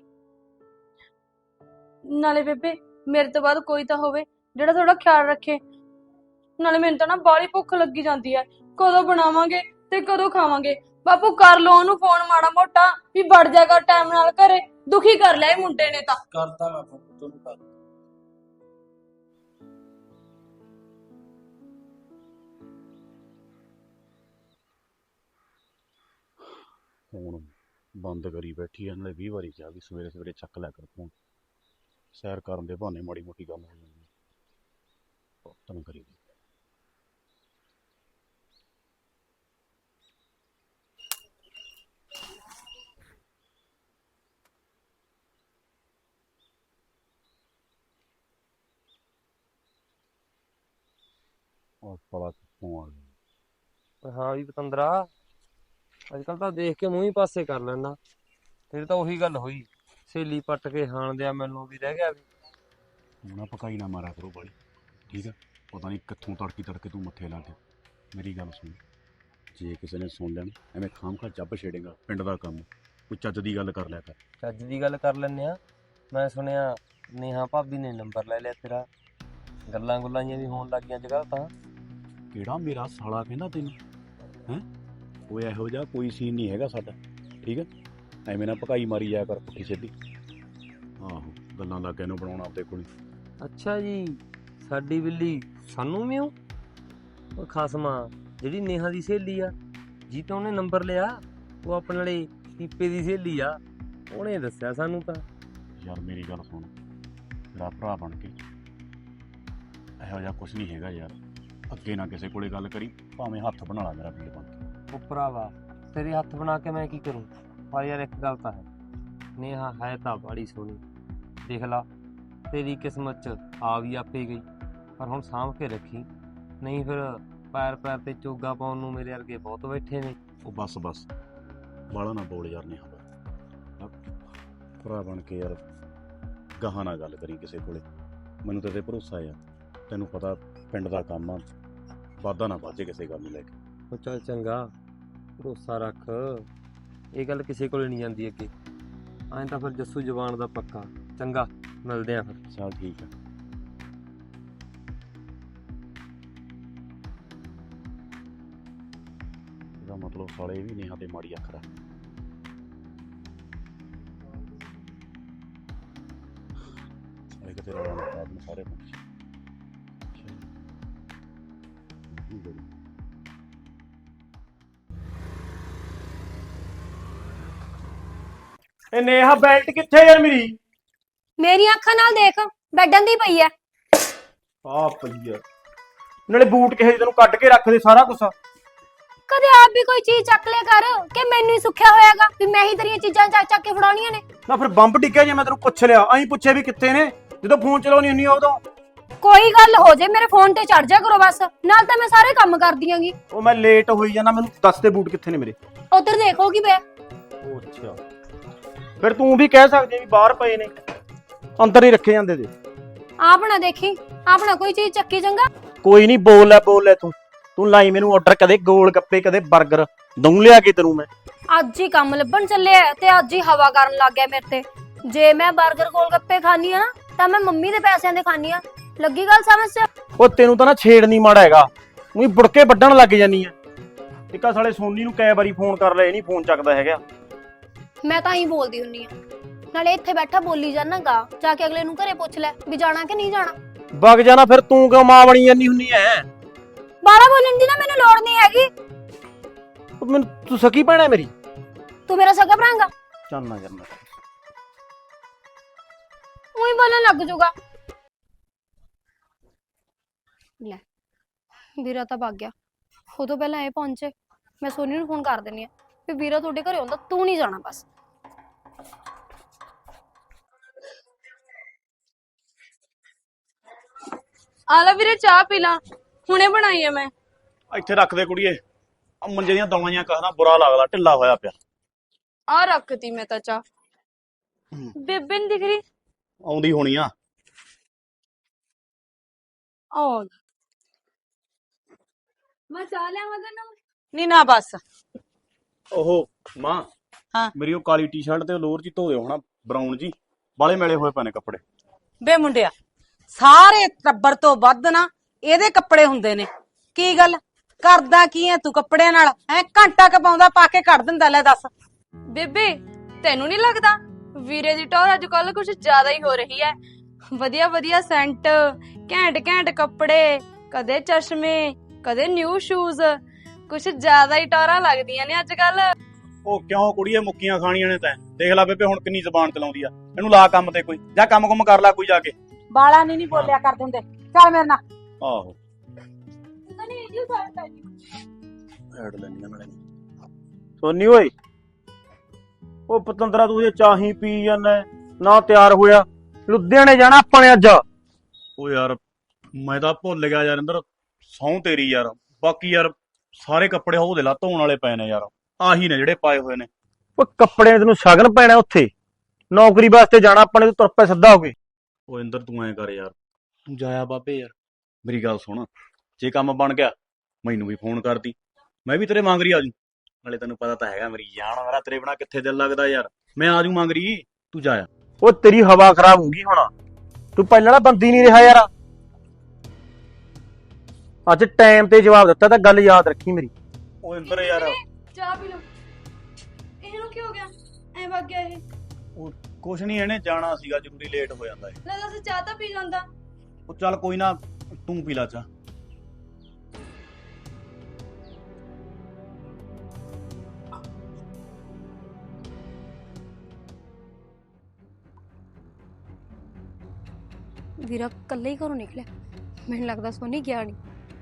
[SPEAKER 6] ਨਾਲੇ ਬੇਬੇ ਮੇਰੇ ਤੋਂ ਬਾਅਦ ਕੋਈ ਤਾਂ ਹੋਵੇ ਜਿਹੜਾ ਥੋੜਾ ਖਿਆਲ ਰੱਖੇ। ਨਾਲੇ ਮੈਨੂੰ ਤਾਂ ਨਾ ਬਾਹਲੀ ਭੁੱਖ ਲੱਗੀ ਜਾਂਦੀ ਹੈ, ਕਦੋਂ ਬਣਾਵਾਂਗੇ ਤੇ ਕਦੋਂ ਖਾਵਾਂਗੇ? ਬਾਪੂ ਕਰ ਲੋ ਉਹਨੂੰ ਫੋਨ ਮਾੜਾ ਮੋਟਾ, ਵੀ ਵੜ ਜਾਗਾ ਟਾਈਮ ਨਾਲ ਘਰੇ। ਦੁਖੀ ਕਰ ਲਿਆ ਇਹ ਮੁੰਡੇ ਨੇ ਤਾਂ।
[SPEAKER 8] ਕਰਦਾ ਮੈਂ ਤੁਹਾਨੂੰ ਕਰ
[SPEAKER 2] ਫੋਨ ਬੰਦ ਕਰੀ ਬੈਠੀ ਆ, ਨਾਲੇ ਵੀਹ ਵਾਰੀ ਕਿਹਾ ਵੀ ਸਵੇਰੇ ਸਵੇਰੇ ਚੱਕ ਲਿਆ ਕਰ ਫੋਨ। ਸੈਰ ਕਰਨ ਦੇ ਬਹਾਨੇ ਮਾੜੀ ਮੋਟੀ ਗੱਲ ਹੋ ਜਾਂਦੀ ਹੈ, ਤਨ ਕਰੀ ਦੀ। ਔਰ ਪਲਾ ਕਿੱਥੋਂ ਆ ਗਿਆ?
[SPEAKER 3] ਹਾਂ ਵੀ ਪਤੰਦਰਾ, ਅੱਜ ਕੱਲ ਤਾਂ ਦੇਖ ਕੇ ਮੂੰਹ ਹੀ ਪਾਸੇ ਕਰ ਲੈਣਾ। ਤੇਰੇ ਤਾਂ ਉਹੀ ਗੱਲ ਹੋਈ, ਸਹੇਲੀ ਪੱਟ ਕੇ ਹਾਣ ਦਿਆ ਮੈਨੂੰ ਵੀ ਰਹਿ ਗਿਆ ਵੀ।
[SPEAKER 2] ਹੁਣ ਨਾ ਪਕਾਈ ਨਾ ਮਾਰਿਆ ਕਰੋ ਬਾਲੀ, ਠੀਕ ਆ? ਪਤਾ ਨਹੀਂ ਕਿੱਥੋਂ ਤੜਕੀ ਤੜਕੇ ਤੂੰ ਮੱਥੇ ਲਾ ਕੇ। ਮੇਰੀ ਗੱਲ ਸੁਣ, ਜੇ ਕਿਸੇ ਨੇ ਸੁਣ ਲੈਣ ਐਵੇਂ ਖਾਮਖਾ ਜੱਬ ਛੇੜੇਗਾ, ਪਿੰਡ ਦਾ ਕੰਮ, ਕੋਈ ਚੱਜ ਦੀ ਗੱਲ ਕਰ ਲਿਆ ਕਰ।
[SPEAKER 3] ਚੱਜ ਦੀ ਗੱਲ ਕਰ ਲੈਨੇ ਆ। ਮੈਂ ਸੁਣਿਆ ਨੇਹਾ ਭਾਬੀ ਨੇ ਨੰਬਰ ਲੈ ਲਿਆ ਤੇਰਾ, ਗੱਲਾਂ ਗੁੱਲਾਂ ਜਿਹੀਆਂ ਵੀ ਹੋਣ ਲੱਗੀਆਂ ਅੱਜ ਕੱਲ੍ਹ ਤਾਂ।
[SPEAKER 2] ਕਿਹੜਾ ਮੇਰਾ ਸਾਲਾ ਕਹਿੰਦਾ ਤੈਨੂੰ? ਹੈਂ ਕੋਈ ਇਹੋ ਜਿਹਾ ਕੋਈ ਸੀਨ ਨਹੀਂ ਹੈਗਾ ਸਾਡਾ, ਠੀਕ ਹੈ? ਐਵੇਂ ਨਾ ਪਕਾਈ ਮਾਰੀ ਜਾਇਆ ਕਰ ਪੁੱਠੀ ਸਿੱਧੀ। ਆਹੋ ਗੱਲਾਂ ਲੱਗ ਗਏ ਨੂੰ ਬਣਾਉਣਾ ਆਪਦੇ ਕੋਲ।
[SPEAKER 3] ਅੱਛਾ ਜੀ, ਸਾਡੀ ਬਿੱਲੀ ਸਾਨੂੰ ਵੀ ਉਹ ਖਸਮਾ ਜਿਹੜੀ ਨੇਹਾ ਦੀ ਸਹੇਲੀ ਆ, ਜੀ ਤਾਂ ਉਹਨੇ ਨੰਬਰ ਲਿਆ, ਉਹ ਆਪਣੇ ਵਾਲੇ ਕੀਪੇ ਦੀ ਸਹੇਲੀ ਆ, ਉਹਨੇ ਦੱਸਿਆ ਸਾਨੂੰ ਤਾਂ।
[SPEAKER 2] ਯਾਰ ਮੇਰੀ ਗੱਲ ਸੁਣ, ਮੇਰਾ ਭਰਾ ਬਣ ਕੇ ਇਹੋ ਜਿਹਾ ਕੁਝ ਨਹੀਂ ਹੈਗਾ ਯਾਰ। ਅੱਗੇ ਨਾ ਕਿਸੇ ਕੋਲੇ ਗੱਲ ਕਰੀ, ਭਾਵੇਂ ਹੱਥ ਬਣਾ ਲਾ ਮੇਰਾ ਵੀਰ ਬਣ ਕੇ।
[SPEAKER 3] ਉਹ ਭਰਾਵਾ ਤੇਰੇ ਹੱਥ ਬਣਾ ਕੇ ਮੈਂ ਕੀ ਕਰੂੰ? ਪਰ ਯਾਰ ਇੱਕ ਗੱਲ ਤਾਂ ਹੈ, ਨੇਹਾ ਹੈ ਤਾਂ ਬੜੀ ਸੋਹਣੀ। ਦੇਖ ਲਾ ਤੇਰੀ ਕਿਸਮਤ 'ਚ ਆ ਵੀ ਆਪੇ ਗਈ, ਪਰ ਹੁਣ ਸਾਂਭ ਕੇ ਰੱਖੀ, ਨਹੀਂ ਫਿਰ ਪੈਰ ਪੈਰ ਤੇ ਚੋਗਾ ਪਾਉਣ ਨੂੰ ਮੇਰੇ ਵਰਗੇ ਬਹੁਤ ਬੈਠੇ ਨੇ।
[SPEAKER 2] ਉਹ ਬਸ ਬਸ ਬਾਲਾ ਨਾ ਬੋਲ ਯਾਰ ਨੇਹਾ ਦਾ, ਭਰਾ ਬਣ ਕੇ ਯਾਰ ਗਾਹਾਂ ਨਾ ਗੱਲ ਕਰੀ ਕਿਸੇ ਕੋਲੇ। ਮੈਨੂੰ ਤੇਰੇ ਤੇ ਭਰੋਸਾ ਆ, ਤੈਨੂੰ ਪਤਾ ਪਿੰਡ ਦਾ ਕੰਮ ਆ, ਵਾਧਾ ਨਾ ਵਾਜੇ ਕਿਸੇ ਗੱਲ ਨੂੰ ਲੈ ਕੇ।
[SPEAKER 3] ਉਹ ਚੱਲ ਚੰਗਾ, ਭਰੋਸਾ ਰੱਖ, ਇਹ ਗੱਲ ਕਿਸੇ ਕੋਲੇ ਨਹੀਂ ਜਾਂਦੀ ਅੱਗੇ। ਐਂ ਤਾਂ ਫਿਰ ਜੱਸੂ ਜ਼ਬਾਨ ਦਾ ਪੱਕਾ। ਚੰਗਾ ਮਿਲਦੇ ਆ ਫਿਰ।
[SPEAKER 2] ਚੱਲ ਠੀਕ ਆ। ਇਹਦਾ ਮਤਲਬ ਸਾਲੇ ਵੀ ਨੇਹਾ ਤੇ ਮਾੜੀ ਅੱਖ ਰੱਖ। ਸਾਲੇ ਕਿਤੇ ਰੌਲਾ ਨਾ ਪਾ ਦੇਣ ਸਾਰੇ ਪਿੰਡ 'ਚ।
[SPEAKER 4] ਇਹ ਨੇਹਾ ਬੈਲਟ ਕਿੱਥੇ ਯਾਰ ਮੇਰੀ?
[SPEAKER 1] ਮੇਰੀਆਂ ਅੱਖਾਂ ਨਾਲ ਦੇਖ, ਬੈਡਾਂ ਦੀ ਪਈ ਐ।
[SPEAKER 4] ਆ ਪਈ ਆ, ਨਾਲੇ ਬੂਟ ਕਿਸੇ ਦੀ ਤੈਨੂੰ ਕੱਢ ਕੇ ਰੱਖ ਦੇ ਸਾਰਾ ਕੁਛ।
[SPEAKER 1] ਕਦੇ ਆਪ ਵੀ ਕੋਈ ਚੀਜ਼ ਚੱਕ ਲਿਆ ਕਰ, ਕਿ ਮੈਨੂੰ ਹੀ ਸੁੱਖਿਆ ਹੋਇਆਗਾ ਵੀ ਮੈਂ ਹੀ ਤੇਰੀਆਂ ਚੀਜ਼ਾਂ ਚੱਕ ਚੱਕ ਕੇ ਫੜਾਉਣੀਆਂ ਨੇ।
[SPEAKER 4] ਨਾ ਫਿਰ ਬੰਬ ਡਿੱਗਿਆ ਜੇ ਮੈਂ ਤੈਨੂੰ ਪੁੱਛ ਲਿਆ, ਐਂ ਪੁੱਛਿਆ ਵੀ ਕਿੱਥੇ ਨੇ, ਜਦੋਂ ਫੋਨ ਚਲਾਉਣੀ ਹੁੰਨੀ ਆ ਉਦੋਂ।
[SPEAKER 1] ਕੋਈ ਗੱਲ ਹੋ ਜੇ ਮੇਰੇ ਫੋਨ ਤੇ ਚੜ ਜਾ ਕਰੋ ਬਸ, ਨਾਲ ਤਾਂ ਮੈਂ ਸਾਰੇ ਕੰਮ ਕਰਦੀ ਆਂਗੀ।
[SPEAKER 4] ਉਹ ਮੈਂ ਲੇਟ ਹੋਈ ਜਾਣਾ, ਮੈਨੂੰ ਦੱਸ ਦੇ ਬੂਟ ਕਿੱਥੇ ਨੇ ਮੇਰੇ।
[SPEAKER 1] ਉਧਰ ਦੇਖੋਗੀ ਬੇ।
[SPEAKER 4] ਉਹ ਅੱਛਾ, ਫਿਰ ਤੂੰ ਵੀ ਕਹਿ ਸਕਦੀ ਵੀ ਬਾਹਰ ਪਏ ਨੇ, ਅੰਦਰ ਹੀ ਰੱਖੇ ਜਾਂਦੇ ਤੇ।
[SPEAKER 1] ਆਪਣਾ ਦੇਖੀ, ਆਪਣਾ ਕੋਈ ਚੀਜ਼ ਚੱਕੀ ਚੰਗਾ।
[SPEAKER 4] ਕੋਈ ਨਹੀਂ, ਬੋਲ ਲੈ ਬੋਲ ਲੈ ਤੂੰ ਤੂੰ ਲਾਈ ਮੈਨੂੰ ਆਰਡਰ, ਕਦੇ ਗੋਲ ਗੱਪੇ ਕਦੇ 버ਗਰ, ਦਊਂ ਲਿਆ ਕੇ ਤੈਨੂੰ ਮੈਂ।
[SPEAKER 1] ਅੱਜ ਹੀ ਕੰਮ ਲੱਭਣ ਚੱਲਿਆ ਤੇ ਅੱਜ ਹੀ ਹਵਾ ਕਰਨ ਲੱਗ ਗਿਆ ਮੇਰੇ ਤੇ। ਜੇ ਮੈਂ 버ਗਰ ਗੋਲ ਗੱਪੇ ਖਾਣੀ ਆ ਨਾ, ਤਾਂ ਮੈਂ ਮੰਮੀ ਦੇ ਪੈਸਿਆਂ ਦੇ ਖਾਣੀ ਆ। ਲੱਗੀ ਗੱਲ ਸਮਝ ਚ?
[SPEAKER 4] ਉਹ ਤੈਨੂੰ ਤਾਂ ਨਾ ਛੇੜ ਨਹੀਂ ਮਾੜਾ ਹੈਗਾ, ਉਹੀ ਬੁੜਕੇ ਵੱਢਣ ਲੱਗ ਜਾਨੀ ਆ। ਟਿੱਕਾ ਸਾਲੇ ਸੋਨੀ ਨੂੰ ਕਈ ਵਾਰੀ ਫੋਨ ਕਰ ਲਿਆ, ਇਹ ਨਹੀਂ ਫੋਨ ਚੱਕਦਾ ਹੈਗਾ।
[SPEAKER 1] ਮੈਂ ਤਾਂ ਹੀ ਬੋਲਦੀ ਹੁੰਨੀ ਆ, ਨਾਲੇ ਇੱਥੇ ਬੈਠਾ ਬੋਲੀ ਜਾਣਾਗਾ, ਜਾ ਕੇ ਅਗਲੇ ਨੂੰ ਘਰੇ ਪੁੱਛ ਲੈ ਵੀ ਜਾਣਾ ਕਿ ਨਹੀਂ ਜਾਣਾ।
[SPEAKER 4] ਵਗ ਜਾਣਾ ਫਿਰ, ਤੂੰ ਕਿਉਂ ਮਾਂ ਬਣੀ ਜਾਨੀ ਹੁੰਨੀ ਐ?
[SPEAKER 1] ਬਾਹਰ ਬੋਲਣ ਦੀ ਨਾ ਮੈਨੂੰ ਲੋੜ ਨਹੀਂ ਹੈਗੀ।
[SPEAKER 4] ਉਹ ਮੈਨੂੰ ਤੂੰ ਸਕੀ ਭੈਣ ਮੇਰੀ?
[SPEAKER 1] ਤੂੰ ਮੇਰਾ ਸਗਾ ਭਰਾਂਗਾ?
[SPEAKER 4] ਚੱਲ ਨਾ ਕਰਨਾ।
[SPEAKER 1] ਉਹੀ ਬੋਲਣ ਲੱਗ ਜੂਗਾ। ਲੈ ਵੀਰਾ ਤਾਂ ਭੱਗ ਗਿਆ, ਉਹ ਤੋਂ ਪਹਿਲਾਂ ਇਹ ਪਹੁੰਚੇ। ਮੈਂ ਸੋਨੀ ਨੂੰ ਫੋਨ ਕਰ ਦਿੰਨੀ ਆ ਵੀ ਵੀਰਾ ਤੁਹਾਡੇ ਘਰੇ ਆਉਂਦਾ, ਤੂੰ ਨਹੀਂ ਜਾਣਾ ਬਸ।
[SPEAKER 6] ਆ ਲੈ ਵੀਰੇ ਚਾਹ ਪੀ ਲਾ, ਹੁਣੇ ਬਣਾਈ ਆ ਮੈਂ।
[SPEAKER 4] ਇੱਥੇ ਰੱਖ ਦੇ ਕੁੜੀਏ, ਆ ਮੰਜੇ ਦੀਆਂ ਦਵਾਈਆਂ कहना ਬੁਰਾ ਲੱਗਦਾ, ਢਿੱਲਾ ਹੋਇਆ ਪਿਆ।
[SPEAKER 6] ਆ ਰੱਖਤੀ ਮੈਂ ਤਾਂ ਚਾਹ। ਬੇਬੇ ਨੀ ਦਿਖ ਰਹੀ?
[SPEAKER 4] ਆਉਂਦੀ ਹੋਣੀ ਆ।
[SPEAKER 6] ਆਹ ਮੈਂ ਚਾਹ ਲਿਆਵਾਂ ਤੈਨੂੰ?
[SPEAKER 7] ਨਹੀਂ ਨਾ ਬਸ।
[SPEAKER 4] ਓਹੋ ਮਾਂ,
[SPEAKER 7] ਹਾਂ।
[SPEAKER 4] ਮੇਰੀ ਉਹ ਕਾਲੀ ਟੀ-ਸ਼ਰਟ ਤੇ ਲੋਅਰ ਜੀ ਧੋ ਦਿਓ ਹਣਾ, ਬਰਾਊਨ ਜੀ, ਬਾਲੇ ਮੇਲੇ ਹੋਏ ਪਏ ਨੇ ਕੱਪੜੇ।
[SPEAKER 7] ਬੇ ਮੁੰਡਿਆ, ਸਾਰੇ ਟੱਬਰ ਤੋਂ ਵੱਧ ਨਾ ਇਹਦੇ ਕੱਪੜੇ ਹੁੰਦੇ ਨੇ। ਕੀ ਗੱਲ ਕਰਦਾ ਕੀ ਐ ਤੂੰ ਕੱਪੜਿਆਂ ਨਾਲ? ਐ ਘੰਟਾ ਕ ਪਾਉਂਦਾ, ਪਾ ਕੇ ਕੱਢ ਦਿੰਦਾ। ਲੈ ਦੱਸ
[SPEAKER 6] ਬੇਬੇ ਤੈਨੂੰ ਨਹੀਂ ਲੱਗਦਾ ਵੀਰੇ ਦੀ ਟੌਰ ਅੱਜ ਕੱਲ ਕੁਝ ਜ਼ਿਆਦਾ ਹੀ ਹੋ ਰਹੀ ਹੈ? ਵਧੀਆ ਵਧੀਆ ਸੈਂਟ, ਘੈਂਟ ਘੈਂਟ ਕੱਪੜੇ, ਕਦੇ ਚਸ਼ਮੇ, ਕਦੇ ਨਿਊ ਸ਼ੂਜ਼, ਕੁਝ ਜ਼ਿਆਦਾ ਹੀ ਟੌਰਾਂ ਲੱਗਦੀਆਂ ਨੇ ਅੱਜ ਕੱਲ।
[SPEAKER 4] ਉਹ ਕਿਉਂ ਕੁੜੀਏ, ਮੁੱਕੀਆਂ ਖਾਣੀਆਂ ਨੇ ਤੈਂ? ਦੇਖ ਲੈ ਬੇਬੇ ਹੁਣ ਕਿੰਨੀ ਜ਼ਬਾਨ ਚਲਾਉਂਦੀ ਆ। ਇਹਨੂੰ ਲਾ ਕੰਮ ਤੇ ਕੋਈ, ਜਾਂ ਕੰਮ ਕੁਮ ਕਰ ਲੈ ਕੋਈ ਜਾ ਕੇ।
[SPEAKER 7] ਬਾਲਾ ਨਹੀਂ ਨਹੀਂ ਬੋਲਿਆ ਕਰ ਦਿੰਦੇ। ਚੱਲ ਮੇਰੇ ਨਾਲ।
[SPEAKER 4] ਆਹੋ ਹੈਡ ਲੈਣੀਆਂ ਨਾਲੇ। ਸੋਨੀ ਓਏ, ਉਹ ਪਤੰਦਰਾ ਤੂੰ ਜੇ ਚਾਹੀ ਪੀ ਜਾਂਦਾ ਨਾ, ਤਿਆਰ ਹੋਇਆ, ਲੁਧਿਆਣੇ ਜਾਣਾ ਆਪਾਂ ਨੇ ਅੱਜ। ਉਹ ਯਾਰ ਮੈਂ ਤਾਂ ਭੁੱਲ ਗਿਆ ਯਾਰ ਇੰਦਰ, ਸਹੁੰ ਤੇਰੀ ਯਾਰ। ਬਾਕੀ ਯਾਰ ਸਾਰੇ ਕੱਪੜੇ ਉਹਦੇ ਲਾ ਧੋਣ ਵਾਲੇ ਪਏ ਨੇ ਯਾਰ, ਆਹੀ ਨੇ ਜਿਹੜੇ ਪਾਏ ਹੋਏ ਨੇ। ਉਹ ਕੱਪੜੇ ਤੈਨੂੰ ਸ਼ਗਨ ਪੈਣਾ, ਉੱਥੇ ਨੌਕਰੀ ਵਾਸਤੇ ਜਾਣਾ ਆਪਾਂ ਨੇ, ਤੂੰ ਤੁਰ ਪੈ ਸਿੱਧਾ ਹੋ ਕੇ। ਉਹ ਇੰਦਰ ਤੂੰ ਐਂ ਕਰ ਯਾਰ, ਤੂੰ ਜਾਇਆ ਬਾਬੇ ਯਾਰ। ਮੇਰੀ ਗੱਲ ਸੁਣ, ਜੇ ਕੰਮ ਬਣ ਗਿਆ ਮੈਨੂੰ ਵੀ ਫੋਨ ਕਰਦੀ, ਮੈਂ ਵੀ ਤੇਰੇ ਮੰਗਰੀ ਆ ਜੂ। ਨਾਲੇ ਤੈਨੂੰ ਪਤਾ ਤਾਂ ਹੈਗਾ ਮੇਰੀ ਜਾਨ, ਮੇਰਾ ਤੇਰੇ ਬਿਨਾ ਕਿੱਥੇ ਦਿਲ ਲੱਗਦਾ ਯਾਰ। ਮੈਂ ਆ ਜੂ ਮੰਗਰੀ, ਤੂੰ ਜਾਇਆ। ਉਹ ਤੇਰੀ ਹਵਾ ਖਰਾਬ ਹੋ ਗਈ ਹੁਣ, ਤੂੰ ਪਹਿਲਾਂ ਵਾਲਾ ਬੰਦੀ ਨਹੀਂ ਰਿਹਾ ਯਾਰ। ਅੱਜ ਟਾਈਮ ਤੇ ਜਵਾਬ ਦਿੱਤਾ ਤਾਂ ਗੱਲ ਯਾਦ ਰੱਖੀ ਮੇਰੀ। ਉਹ ਇੰਦਰ ਯਾਰ
[SPEAKER 6] ਚਾਹ ਪੀ ਲਓ। ਇਹਨੂੰ ਕੀ ਹੋ ਗਿਆ, ਐ ਵਗ ਗਿਆ ਇਹ?
[SPEAKER 4] ਉਹ ਕੁਛ ਨਹੀਂ, ਇਹਨੇ ਜਾਣਾ ਸੀਗਾ ਜ਼ਰੂਰੀ, ਲੇਟ ਹੋ ਜਾਂਦਾ ਏ।
[SPEAKER 6] ਲੈ ਦੱਸ, ਚਾਹ ਤਾਂ ਪੀ ਜਾਂਦਾ।
[SPEAKER 4] ਉਹ ਚੱਲ ਕੋਈ ਨਾ, ਤੂੰ ਪੀ ਲਾ ਚਾਹ।
[SPEAKER 1] ਵੀਰਾ ਕੱਲਾ ਹੀ ਘਰੋਂ ਨਿਕਲਿਆ, ਮੈਨੂੰ ਲੱਗਦਾ ਸੋਨੀ ਗਿਆ ਨਹੀਂ।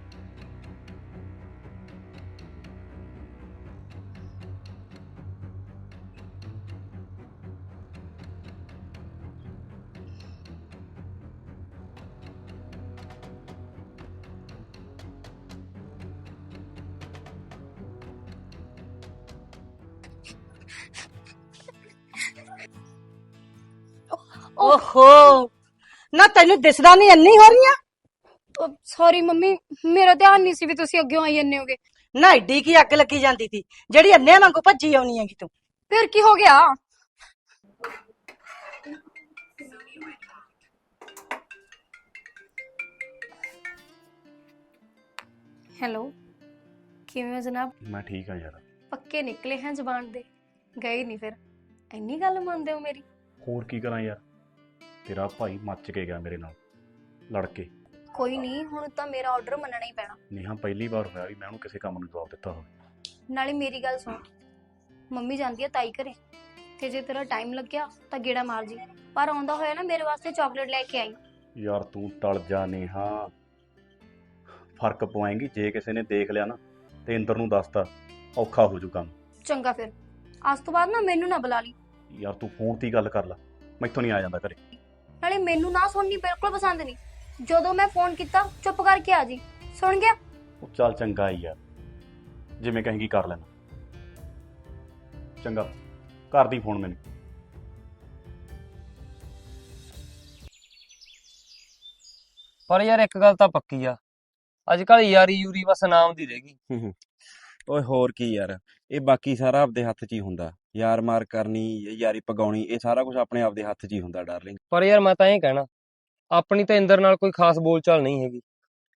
[SPEAKER 5] ਓਹੋ ਨਾ, ਤੈਨੂੰ ਦਿਸਦਾ ਨਹੀਂ ਇੰਨੀ ਹੋ ਰਹੀ ਆ?
[SPEAKER 1] ਸੌਰੀ ਮੰਮੀ, ਮੇਰਾ ਧਿਆਨ ਨਹੀਂ ਸੀ ਵੀ ਤੁਸੀਂ ਅੱਗੇ ਆਈ ਜੰਨੇ ਹੋਗੇ।
[SPEAKER 5] ਨਾ ਏਡੀ ਕੀ ਅੱਗ ਲੱਗੀ ਜਾਂਦੀ ਸੀ ਜਿਹੜੀ ਅੰਨਿਆਂ ਵਾਂਗੂ ਭੱਜੀ ਆਉਣੀ ਹੈਗੀ ਤੂੰ?
[SPEAKER 1] ਫਿਰ ਕੀ ਹੋ ਗਿਆ? ਹੈਲੋ, ਕਿਵੇਂ ਹੋ ਜਨਾਬ?
[SPEAKER 4] ਮੈਂ ਠੀਕ ਆ ਯਾਰ।
[SPEAKER 1] ਪੱਕੇ ਨਿਕਲੇ हैं ਜ਼ਬਾਨ ਦੇ, ਗਏ ਨਹੀਂ ਫਿਰ? ਇੰਨੀ ਗੱਲ ਮੰਨਦੇ ਹੋ ਮੇਰੀ?
[SPEAKER 4] ਹੋਰ ਕੀ ਕਰਾਂ ਯਾਰ, ਤੇਰਾ ਭਾਈ ਮੱਚ ਕੇ ਗਿਆ ਮੇਰੇ ਨਾਲ ਲੜ ਕੇ।
[SPEAKER 1] ਕੋਈ ਨਹੀਂ, ਹੁਣ ਤਾਂ ਮੇਰਾ ਆਰਡਰ ਮੰਨਣਾ ਹੀ ਪੈਣਾ।
[SPEAKER 4] ਨੇਹਾ ਪਹਿਲੀ ਵਾਰ ਹੋਇਆ ਵੀ ਮੈਂ ਉਹਨੂੰ ਕਿਸੇ ਕੰਮ ਨੂੰ ਜਵਾਬ ਦਿੱਤਾ ਹੋਵੇ।
[SPEAKER 1] ਨਾਲੇ ਮੇਰੀ ਗੱਲ ਸੁਣ, ਮੰਮੀ ਜਾਂਦੀ ਆ ਤਾਈ ਘਰੇ, ਤੇ ਜੇ ਤੇਰਾ ਟਾਈਮ ਲੱਗਿਆ ਤਾਂ ਗੇੜਾ ਮਾਰ ਜੀ, ਪਰ ਆਉਂਦਾ ਹੋਇਆ ਨਾ ਮੇਰੇ ਵਾਸਤੇ ਚਾਕਲੇਟ ਲੈ ਕੇ ਆਈ।
[SPEAKER 4] ਯਾਰ ਤੂੰ ਟਲ ਜਾ ਨੇਹਾ, ਫਰਕ ਪਵਾਏਂਗੀ। ਜੇ ਕਿਸੇ ਨੇ ਦੇਖ ਲਿਆ ਨਾ ਤੇ ਇੰਦਰ ਨੂੰ ਦੱਸਤਾ, ਔਖਾ ਹੋ ਜੂ ਕੰਮ।
[SPEAKER 1] ਚੰਗਾ ਫਿਰ, ਅੱਜ ਤੋਂ ਬਾਅਦ ਨਾ ਮੈਨੂੰ ਨਾ ਬੁਲਾ ਲਈ।
[SPEAKER 4] ਯਾਰ ਤੂੰ ਫੋਨ ਤੇ ਹੀ ਗੱਲ ਕਰ ਲੈ, ਮੈਥੋਂ ਨਹੀਂ ਆ ਜਾਂਦਾ ਘਰੇ।
[SPEAKER 1] ਨਾਲੇ ਮੈਨੂੰ ਨਾ ਸੁਣਨੀ ਬਿਲਕੁਲ ਪਸੰਦ ਨਹੀਂ। ਜਦੋਂ ਮੈਂ ਫੋਨ ਕੀਤਾ ਚੁੱਪ ਕਰਕੇ ਆ ਜੀ, ਸੁਣ ਗਿਆ?
[SPEAKER 4] ਉਹ ਚੱਲ ਚੰਗਾ ਹੀ ਯਾਰ, ਜਿਵੇਂ ਕਹੇਂਗੀ ਕਰ ਲੈਣਾ। ਚੰਗਾ, ਕਰਦੀ ਫੋਨ ਮੈਨੂੰ।
[SPEAKER 3] ਪਰ ਯਾਰ ਇੱਕ ਗੱਲ ਤਾਂ ਪੱਕੀ ਆ, ਅੱਜ ਕੱਲ ਯਾਰੀ ਯੂਰੀ ਬਸ ਨਾਮ ਦੀ ਰਹਿ ਗਈ।
[SPEAKER 2] ਓਏ ਹੋਰ ਕੀ ਯਾਰ, ਇਹ ਬਾਕੀ ਸਾਰਾ ਆਪਦੇ ਹੱਥ 'ਚ ਹੀ ਹੁੰਦਾ। ਯਾਰ ਮਾਰ ਕਰਨੀ, ਯਾਰੀ ਪਗਾਉਣੀ, ਇਹ ਸਾਰਾ ਕੁਝ ਆਪਣੇ ਆਪਦੇ ਹੱਥ 'ਚ ਹੀ ਹੁੰਦਾ ਡਾਰਲਿੰਗ।
[SPEAKER 3] ਪਰ ਯਾਰ ਮੈਂ ਤਾਂ ਇਹ ਕਹਿਣਾ, ਆਪਣੀ ਤਾਂ ਇੰਦਰ ਨਾਲ ਕੋਈ ਖਾਸ ਬੋਲਚਾਲ ਨਹੀਂ ਹੈਗੀ।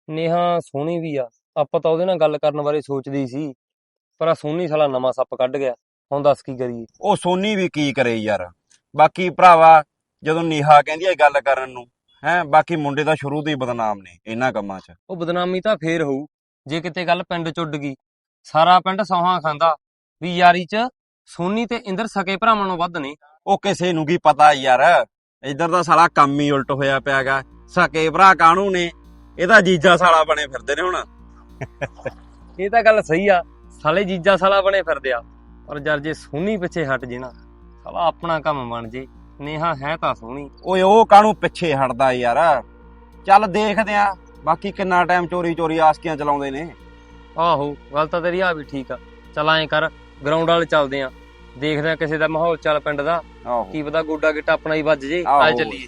[SPEAKER 3] ਨੇਹਾ ਸੋਹਣੀ ਵੀ ਆ, ਆਪਾਂ ਤਾਂ ਉਹਦੇ ਨਾਲ ਗੱਲ ਕਰਨ ਬਾਰੇ ਸੋਚਦੀ ਸੀ, ਪਰ ਆ ਸੋਹਣੀ ਸਾਲਾ ਨਵਾਂ ਸੱਪ ਕੱਢ ਗਿਆ। ਹੁਣ ਦੱਸ ਕੀ ਕਰੀਏ?
[SPEAKER 2] ਉਹ ਸੋਨੀ ਵੀ ਕੀ ਕਰੇ ਯਾਰ। ਬਾਕੀ ਭਰਾਵਾ ਜਦੋਂ ਨੀਹਾ ਕਹਿੰਦੀ ਹੈ ਗੱਲ ਕਰਨ ਨੂੰ, ਹੈ ਬਾਕੀ ਮੁੰਡੇ ਤਾਂ ਸ਼ੁਰੂ ਤੋਂ ਹੀ ਬਦਨਾਮ ਨੇ ਇਹਨਾਂ ਕੰਮਾਂ 'ਚ।
[SPEAKER 3] ਉਹ ਬਦਨਾਮੀ ਤਾਂ ਫੇਰ ਹੋਊ ਜੇ ਕਿਤੇ ਗੱਲ ਪਿੰਡ ਚ ਉੱਡ ਗਈ। ਸਾਰਾ ਪਿੰਡ ਸੌਹਾਂ ਖਾਂਦਾ ਵੀ ਯਾਰੀ ਚ ਸੋਨੀ ਤੇ ਇੰਦਰ ਸਕੇ ਭਰਾਵਾਂ ਨੂੰ ਵੱਧ ਨੇ।
[SPEAKER 2] ਉਹ ਕਿਸੇ ਨੂੰ ਕੀ ਪਤਾ ਯਾਰ, ਇੱਧਰ ਦਾ ਸਾਲਾ ਕੰਮ ਹੀ ਉਲਟ ਹੋਇਆ ਪਿਆਗਾ। ਸਕੇ ਭਰਾ ਕਾਹਨੂੰ ਨੇ, ਇਹਦਾ ਜੀਜਾ ਸਾਲਾ ਬਣੇ ਫਿਰਦੇ ਨੇ ਹੁਣ।
[SPEAKER 3] ਇਹ ਤਾਂ ਗੱਲ ਸਹੀ ਆ, ਸਾਲੇ ਜੀਜਾ ਸਾਲਾ ਬਣੇ ਫਿਰਦੇ ਆ, ਪਰ ਯਾਰ ਜੇ ਸੋਨੀ ਪਿੱਛੇ ਹਟ ਜੇ ਨਾ, ਸਾਲਾ ਆਪਣਾ ਕੰਮ ਬਣ ਜੇ। ਨੇਹਾ ਹੈ ਤਾਂ ਸੋਹਣੀ।
[SPEAKER 2] ਓਏ ਉਹ ਕਾਹਨੂੰ ਪਿੱਛੇ ਹਟਦਾ ਯਾਰ, ਚੱਲ ਦੇਖਦੇ ਆ ਬਾਕੀ ਕਿੰਨਾ ਟਾਈਮ ਚੋਰੀ ਚੋਰੀ ਆਸਕੀਆਂ ਚਲਾਉਂਦੇ ਨੇ।
[SPEAKER 3] ਆਹੋ ਗੱਲ ਤਾਂ ਤੇਰੀ ਆ ਵੀ ਠੀਕ ਆ। ਚੱਲ ਐਂ ਕਰ, ਗਰਾਊਂਡ ਵਾਲੇ ਚੱਲਦੇ ਆ, ਦੇਖਦੇ ਆ ਕਿਸੇ ਦਾ ਮਾਹੌਲ ਚੱਲ ਪਿੰਡ ਦਾ,
[SPEAKER 2] ਆਹੋ
[SPEAKER 3] ਕੀ ਪਤਾ ਗੋਡਾ ਗਿੱਟਾ ਆਪਣਾ ਹੀ ਵੱਜ ਜੇ।
[SPEAKER 2] ਆਹੋ।
[SPEAKER 3] ਆ ਚੱਲੀਏ।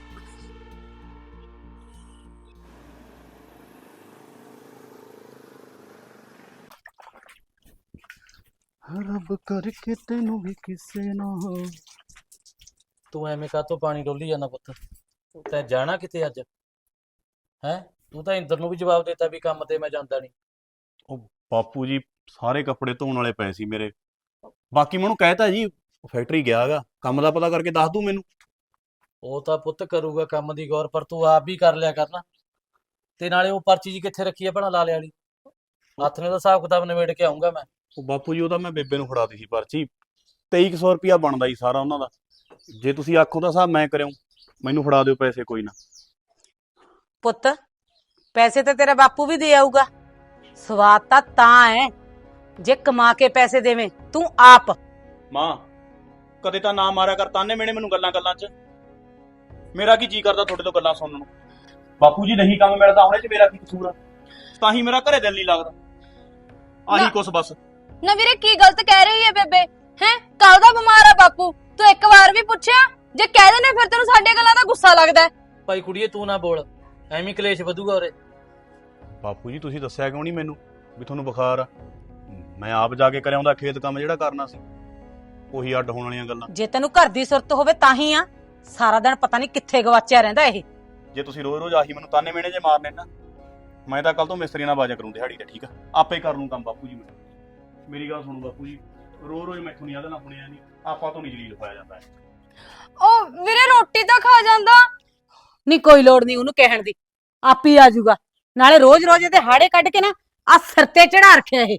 [SPEAKER 4] ਰੱਬ ਕਰਕੇ ਤੈਨੂੰ ਵੀ ਕਿਸੇ ਨਾ ਹੋ।
[SPEAKER 8] ਤੂੰ ਐਵੇਂ ਕਾਹਤੋਂ ਪਾਣੀ ਡੋਲੀ ਜਾਂਦਾ ਪੁੱਤ? ਤੈਂ ਜਾਣਾ ਕਿਤੇ ਅੱਜ? ਹੈ ਤੂੰ ਤਾਂ ਇੰਦਰ ਨੂੰ ਵੀ ਜਵਾਬ ਦਿੱਤਾ ਵੀ ਕੰਮ ਤੇ ਮੈਂ ਜਾਂਦਾ ਨਹੀਂ।
[SPEAKER 4] ਉਹ ਬਾਪੂ ਜੀ ਸਾਰੇ ਕੱਪੜੇ ਧੋਣ ਵਾਲੇ ਪਏ ਸੀ ਮੇਰੇ, ਬਾਕੀ ਮੈਨੂੰ ਕਹਿਤਾ ਜੀ ਫੈਕਟਰੀ ਗਿਆ ਹੈਗਾ, ਕੰਮ ਦਾ ਪਤਾ ਕਰਕੇ ਦੱਸ ਦੂ ਮੈਨੂੰ।
[SPEAKER 8] ਉਹ ਤਾਂ ਪੁੱਤ ਕਰੂਗਾ ਕੰਮ ਦੀ ਗੌਰ, ਪਰ ਤੂੰ ਆਪ ਵੀ ਕਰ ਲਿਆ ਕਰਨਾ। ਤੇ ਨਾਲੇ ਉਹ ਪਰਚੀ ਜੀ ਕਿੱਥੇ ਰੱਖੀ ਆ ਭਣਾ ਲਾਲੇ ਵਾਲੀ? ਹੱਥ ਨੇ ਦਾ ਹਿਸਾਬ ਕਿਤਾਬ ਨਿਬੇੜ ਕੇ ਆਉਂਗਾ ਮੈਂ।
[SPEAKER 4] ਉਹ ਬਾਪੂ ਜੀ ਉਹ ਤਾਂ ਮੈਂ ਬੇਬੇ ਨੂੰ ਫੜਾਤੀ ਸੀ ਪਰਚੀ, ਤੇਈ ਕੁ ਸੌ ਰੁਪਇਆ ਬਣਦਾ ਜੀ ਸਾਰਾ ਉਹਨਾਂ ਦਾ। ਜੇ ਤੁਸੀਂ ਆਖੋ ਤਾਂ ਹਿਸਾਬ ਮੈਂ ਕਰਿਓ, ਮੈਨੂੰ ਫੜਾ ਦਿਓ ਪੈਸੇ ਕੋਈ ਨਾ।
[SPEAKER 7] ਪੁੱਤ ਪੈਸੇ ਤਾਂ ਤੇਰਾ ਬਾਪੂ ਵੀ ਦੇ ਆਊਗਾ, ਸਵਾਦ ਤਾਂ ਤਾਂ ਹੈ ਜੇ ਕਮਾ ਕੇ ਪੈਸੇ ਦੇਵੇਂ ਤੂੰ ਆਪ।
[SPEAKER 4] ਮਾਂ ਕਦੇ ਤਾਂ ਨਾ ਮਾਰਿਆ ਕਰ ਤਾਨੇ ਮੇਣੇ ਮੈਨੂੰ ਗੱਲਾਂ ਗੱਲਾਂ 'ਚ, ਮੇਰਾ ਕੀ ਜੀ ਕਰਦਾ ਤੁਹਾਡੇ ਤੋਂ ਗੱਲਾਂ ਸੁਣਨ ਨੂੰ। ਬਾਪੂ ਜੀ ਨਹੀਂ ਕੰਮ ਮਿਲਦਾ ਉਹਨੇ 'ਚ ਮੇਰਾ ਕੀ ਕਸੂਰ ਆ? ਤਾਂ ਹੀ ਮੇਰਾ ਘਰੇ ਦਿਲ ਨਹੀਂ ਲੱਗਦਾ, ਆਹੀ ਕੁਛ ਬਸ।
[SPEAKER 6] ਨਾ ਵੀਰੇ ਕੀ ਗਲਤ ਕਹਿ ਰਹੀ ਹੈ ਬੇਬੇ? ਹੈ ਕੱਲ ਦਾ ਬਿਮਾਰ ਆ ਬਾਪੂ, ਤੂੰ ਇੱਕ ਵਾਰ ਵੀ ਪੁੱਛਿਆ? ਜੇ ਕਹਿ ਦਿੰਦੇ ਫਿਰ ਤੈਨੂੰ ਸਾਡੇ ਗੱਲਾਂ ਦਾ ਗੁੱਸਾ ਲੱਗਦਾ।
[SPEAKER 8] ਭਾਈ ਕੁੜੀਏ ਤੂੰ ਨਾ ਬੋਲ, ਐਵੇਂ ਕਲੇਸ਼ ਵਧੂਗਾ ਉਰੇ।
[SPEAKER 4] ਬਾਪੂ ਜੀ ਤੁਸੀਂ ਦੱਸਿਆ ਕਿਉਂ ਨਹੀਂ ਮੈਨੂੰ ਵੀ ਤੁਹਾਨੂੰ ਬੁਖਾਰ ਆ? ਮੈਂ ਆਪ ਜਾ ਕੇ ਕਰਿਆ ਆਉਂਦਾ ਖੇਤ ਕੰਮ ਜਿਹੜਾ ਕਰਨਾ ਸੀ, ਉਹੀ ਅੱਡ ਹੋਣ ਵਾਲੀਆਂ ਗੱਲਾਂ।
[SPEAKER 7] ਜੇ ਤੈਨੂੰ ਘਰ ਦੀ ਸੁਰਤ ਹੋਵੇ ਤਾਂ ਹੀ ਆ, ਸਾਰਾ ਦਿਨ ਪਤਾ ਨਹੀਂ ਕਿੱਥੇ ਗਵਾਚਿਆ ਰਹਿੰਦਾ ਇਹ।
[SPEAKER 4] ਜੇ ਤੁਸੀਂ ਰੋਜ਼ ਰੋਜ਼ ਆਹੀ ਮੈਨੂੰ ਤਾਨੇ ਮੇਣੇ ਜੇ ਮਾਰਨੇ ਨਾ, ਮੈਂ ਤਾਂ ਕੱਲ ਤੋਂ ਮਿਸਤਰੀ ਨਾਲ ਬਾਜਾ ਕਰੂੰ ਦਿਹਾੜੀ ਤੇ, ਠੀਕ ਆ? ਆਪੇ ਕਰ ਲੂੰ ਕੰਮ ਬਾਪੂ ਜੀ। ਮੈਂ ਮੇਰੀ ਗੱਲ ਸੁਣੋ ਬਾਪੂ ਜੀ, ਰੋਜ਼ ਰੋਜ਼ ਮੈਥੋਂ ਨਹੀਂ ਆਦੇ ਨਾਲ ਸੁਣਿਆ ਨਹੀਂ, ਆਪਾਂ ਤੋਂ ਨਹੀਂ ਜਲੀਲ ਪਾਇਆ ਜਾਂਦਾ ਹੈ।
[SPEAKER 6] ਉਹ ਵੀਰੇ ਰੋਟੀ ਤਾਂ ਖਾ ਜਾਂਦਾ।
[SPEAKER 7] ਨਹੀਂ ਕੋਈ ਲੋੜ ਨਹੀਂ ਉਹਨੂੰ ਕਹਿਣ ਦੀ, ਆਪ ਹੀ ਆ ਜਾਊਗਾ। ਨਾਲੇ ਰੋਜ਼ ਰੋਜ਼ ਇਹਦੇ ਹਾੜੇ ਕੱਢ ਕੇ ਨਾ ਆ ਸਿਰ ਤੇ ਚੜਾ ਰੱਖਿਆ ਇਹ।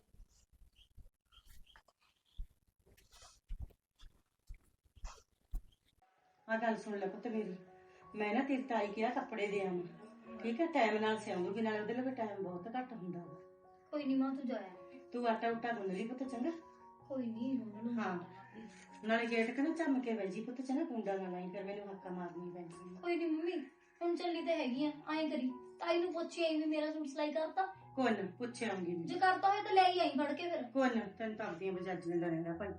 [SPEAKER 5] ਆ ਗੱਲ ਸੁਣ ਲੈ ਪੁੱਤ ਮੇਰੀ, ਮੈਂ ਨਾ ਤੇਰੀ ਤਾਈ ਕਿਹਾ ਕੱਪੜੇ ਦੇ ਆਵਾਂ, ਠੀਕ ਹੈ? ਟਾਈਮ ਨਾਲ ਸਿਆਉਂਗੀ, ਨਾਲੇ ਉਹਦੇ ਲਈ ਟਾਈਮ ਬਹੁਤ ਘੱਟ ਹੁੰਦਾ ਵਾ।
[SPEAKER 1] ਕੋਈ ਨਹੀਂ ਮਾਂ, ਤੂੰ ਜਾਇਆ।
[SPEAKER 5] ਤੂੰ ਆਟਾ ਉਟਾ ਗੁੰਨ ਲਈ ਪੁੱਤ, ਚੰਗਾ?
[SPEAKER 1] ਕੋਈ ਨਹੀਂ ਹੁਣ।
[SPEAKER 5] ਹਾਂ ਨਾਲੇ ਗੇਟ ਕੇ ਨਾ ਝੰਮ ਕੇ ਬਹਿ ਜੀ ਪੁੱਤ, ਚੰਗਾ? ਕੁੰਡਾ ਨਾ ਲਾਈ, ਫਿਰ ਮੈਨੂੰ ਹੱਕਾ ਮਾਰਨੀ ਪੈਂਦੀ।
[SPEAKER 1] ਕੋਈ ਨਹੀਂ ਮੰਮੀ, ਹੁਣ ਚੱਲੀ ਤਾਂ ਹੈਗੀ ਆ। ਐਂ ਕਰੀ ਤਾਈ ਨੂੰ ਪੁੱਛੀ ਆਈ ਵੀ ਮੇਰਾ ਸੂਟ ਸਿਲਾਈ ਕਰਤਾ।
[SPEAKER 5] ਕੋਈ ਨਾ ਪੁੱਛ ਆਉਂਗੀ
[SPEAKER 1] ਜੇ ਕਰਤਾ ਹੋਏ ਤਾਂ ਲੈ ਹੀ ਆਈ ਫੜ ਕੇ ਫਿਰ।
[SPEAKER 5] ਕੋਈ ਨਾ, ਤੈਨੂੰ ਤਾਂ ਆਪਦੀਆਂ ਬਜਾਜ ਦਿੰਦਾ ਰਹਿੰਦਾ ਭਾਈ।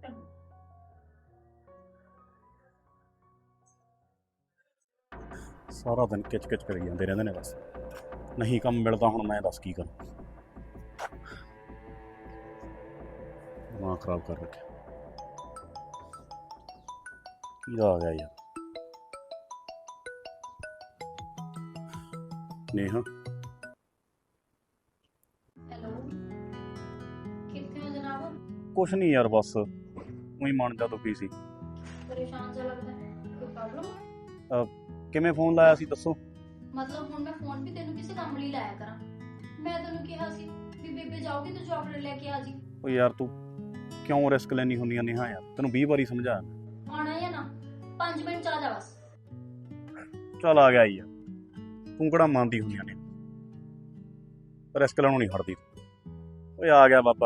[SPEAKER 4] ਸਾਰਾ ਦਿਨ ਕਿਚ ਕਿਚ ਕਰੀ ਜਾਂਦੇ ਰਹਿੰਦੇ ਨੇ ਬਸ, ਨਹੀਂ ਕੰਮ ਮਿਲਦਾ। ਹੁਣ ਮੈਂ ਦੱਸ ਕੀ ਕਰਾਂ, ਦਿਮਾਗ ਖਰਾਬ ਕਰ ਰੱਖਿਆ। ਕੀ ਆ ਗਿਆ ਯਾਰ? ਨੇਹਾ
[SPEAKER 1] ਹੈਲੋ, ਕਿੱਥੇ ਹੋ ਜਨਾਬ?
[SPEAKER 4] ਕੁਛ ਨਹੀਂ ਯਾਰ, ਬਸ ਉਹੀ ਮਨ ਜਾ ਦੁਖੀ ਸੀ।
[SPEAKER 1] ਪਰੇਸ਼ਾਨ ਜਿਹਾ ਲੱਗਦਾ, ਕੋਈ ਪ੍ਰੋਬਲਮ?
[SPEAKER 4] ਕਿਵੇਂ ਫੋਨ ਲਾਇਆ ਸੀ ਦੱਸੋ?
[SPEAKER 1] ਮਤਲਬ ਹੁਣ ਮੈਂ ਫੋਨ ਵੀ ਤੈਨੂੰ ਕਿਸੇ ਕੰਮ ਲਈ ਲਾਇਆ ਕਰਾਂ? ਮੈਂ ਤੈਨੂੰ ਕਿਹਾ ਸੀ ਵੀ ਬੇਬੇ ਜਾਊਗੀ ਤੂੰ ਚਾਕਲੇਟ ਲੈ ਕੇ ਆ ਜੀ।
[SPEAKER 4] ਓ ਯਾਰ ਤੂੰ ਕਿਉਂ ਰਿਸਕ ਲੈਣੀ ਹੁੰਦੀਆਂ ਨੇਹਾ ਯਾਰ, ਤੈਨੂੰ ਵੀਹ ਵਾਰੀ ਸਮਝਾਇਆ।
[SPEAKER 1] ਆਉਣਾ ਜਾਂ ਨਾ, ਪੰਜ ਮਿੰਟ ਚ ਆ ਜਾ ਬਸ।
[SPEAKER 4] ਚੱਲ ਆ ਗਿਆ ਯਾਰ, ਤੂੰ ਕਿਹੜਾ ਮੰਨਦੀ ਹੁੰਦੀਆਂ ਨੇ, ਰਿਸਕ ਲੈਣੋਂ ਨਹੀਂ ਹਟਦੀ। ਓਏ ਆ ਗਿਆ ਬਾਬਾ।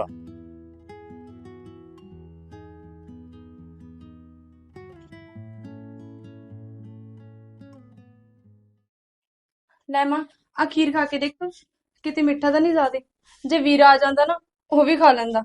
[SPEAKER 6] ਲੈ ਮਾਂ ਆ ਖੀਰ ਖਾ ਕੇ ਦੇਖ, ਕਿਤੇ ਮਿੱਠਾ ਤਾਂ ਨਹੀਂ ਜ਼ਿਆਦੇ। ਜੇ ਵੀਰ ਆ ਜਾਂਦਾ ਨਾ ਉਹ ਵੀ ਖਾ ਲੈਂਦਾ।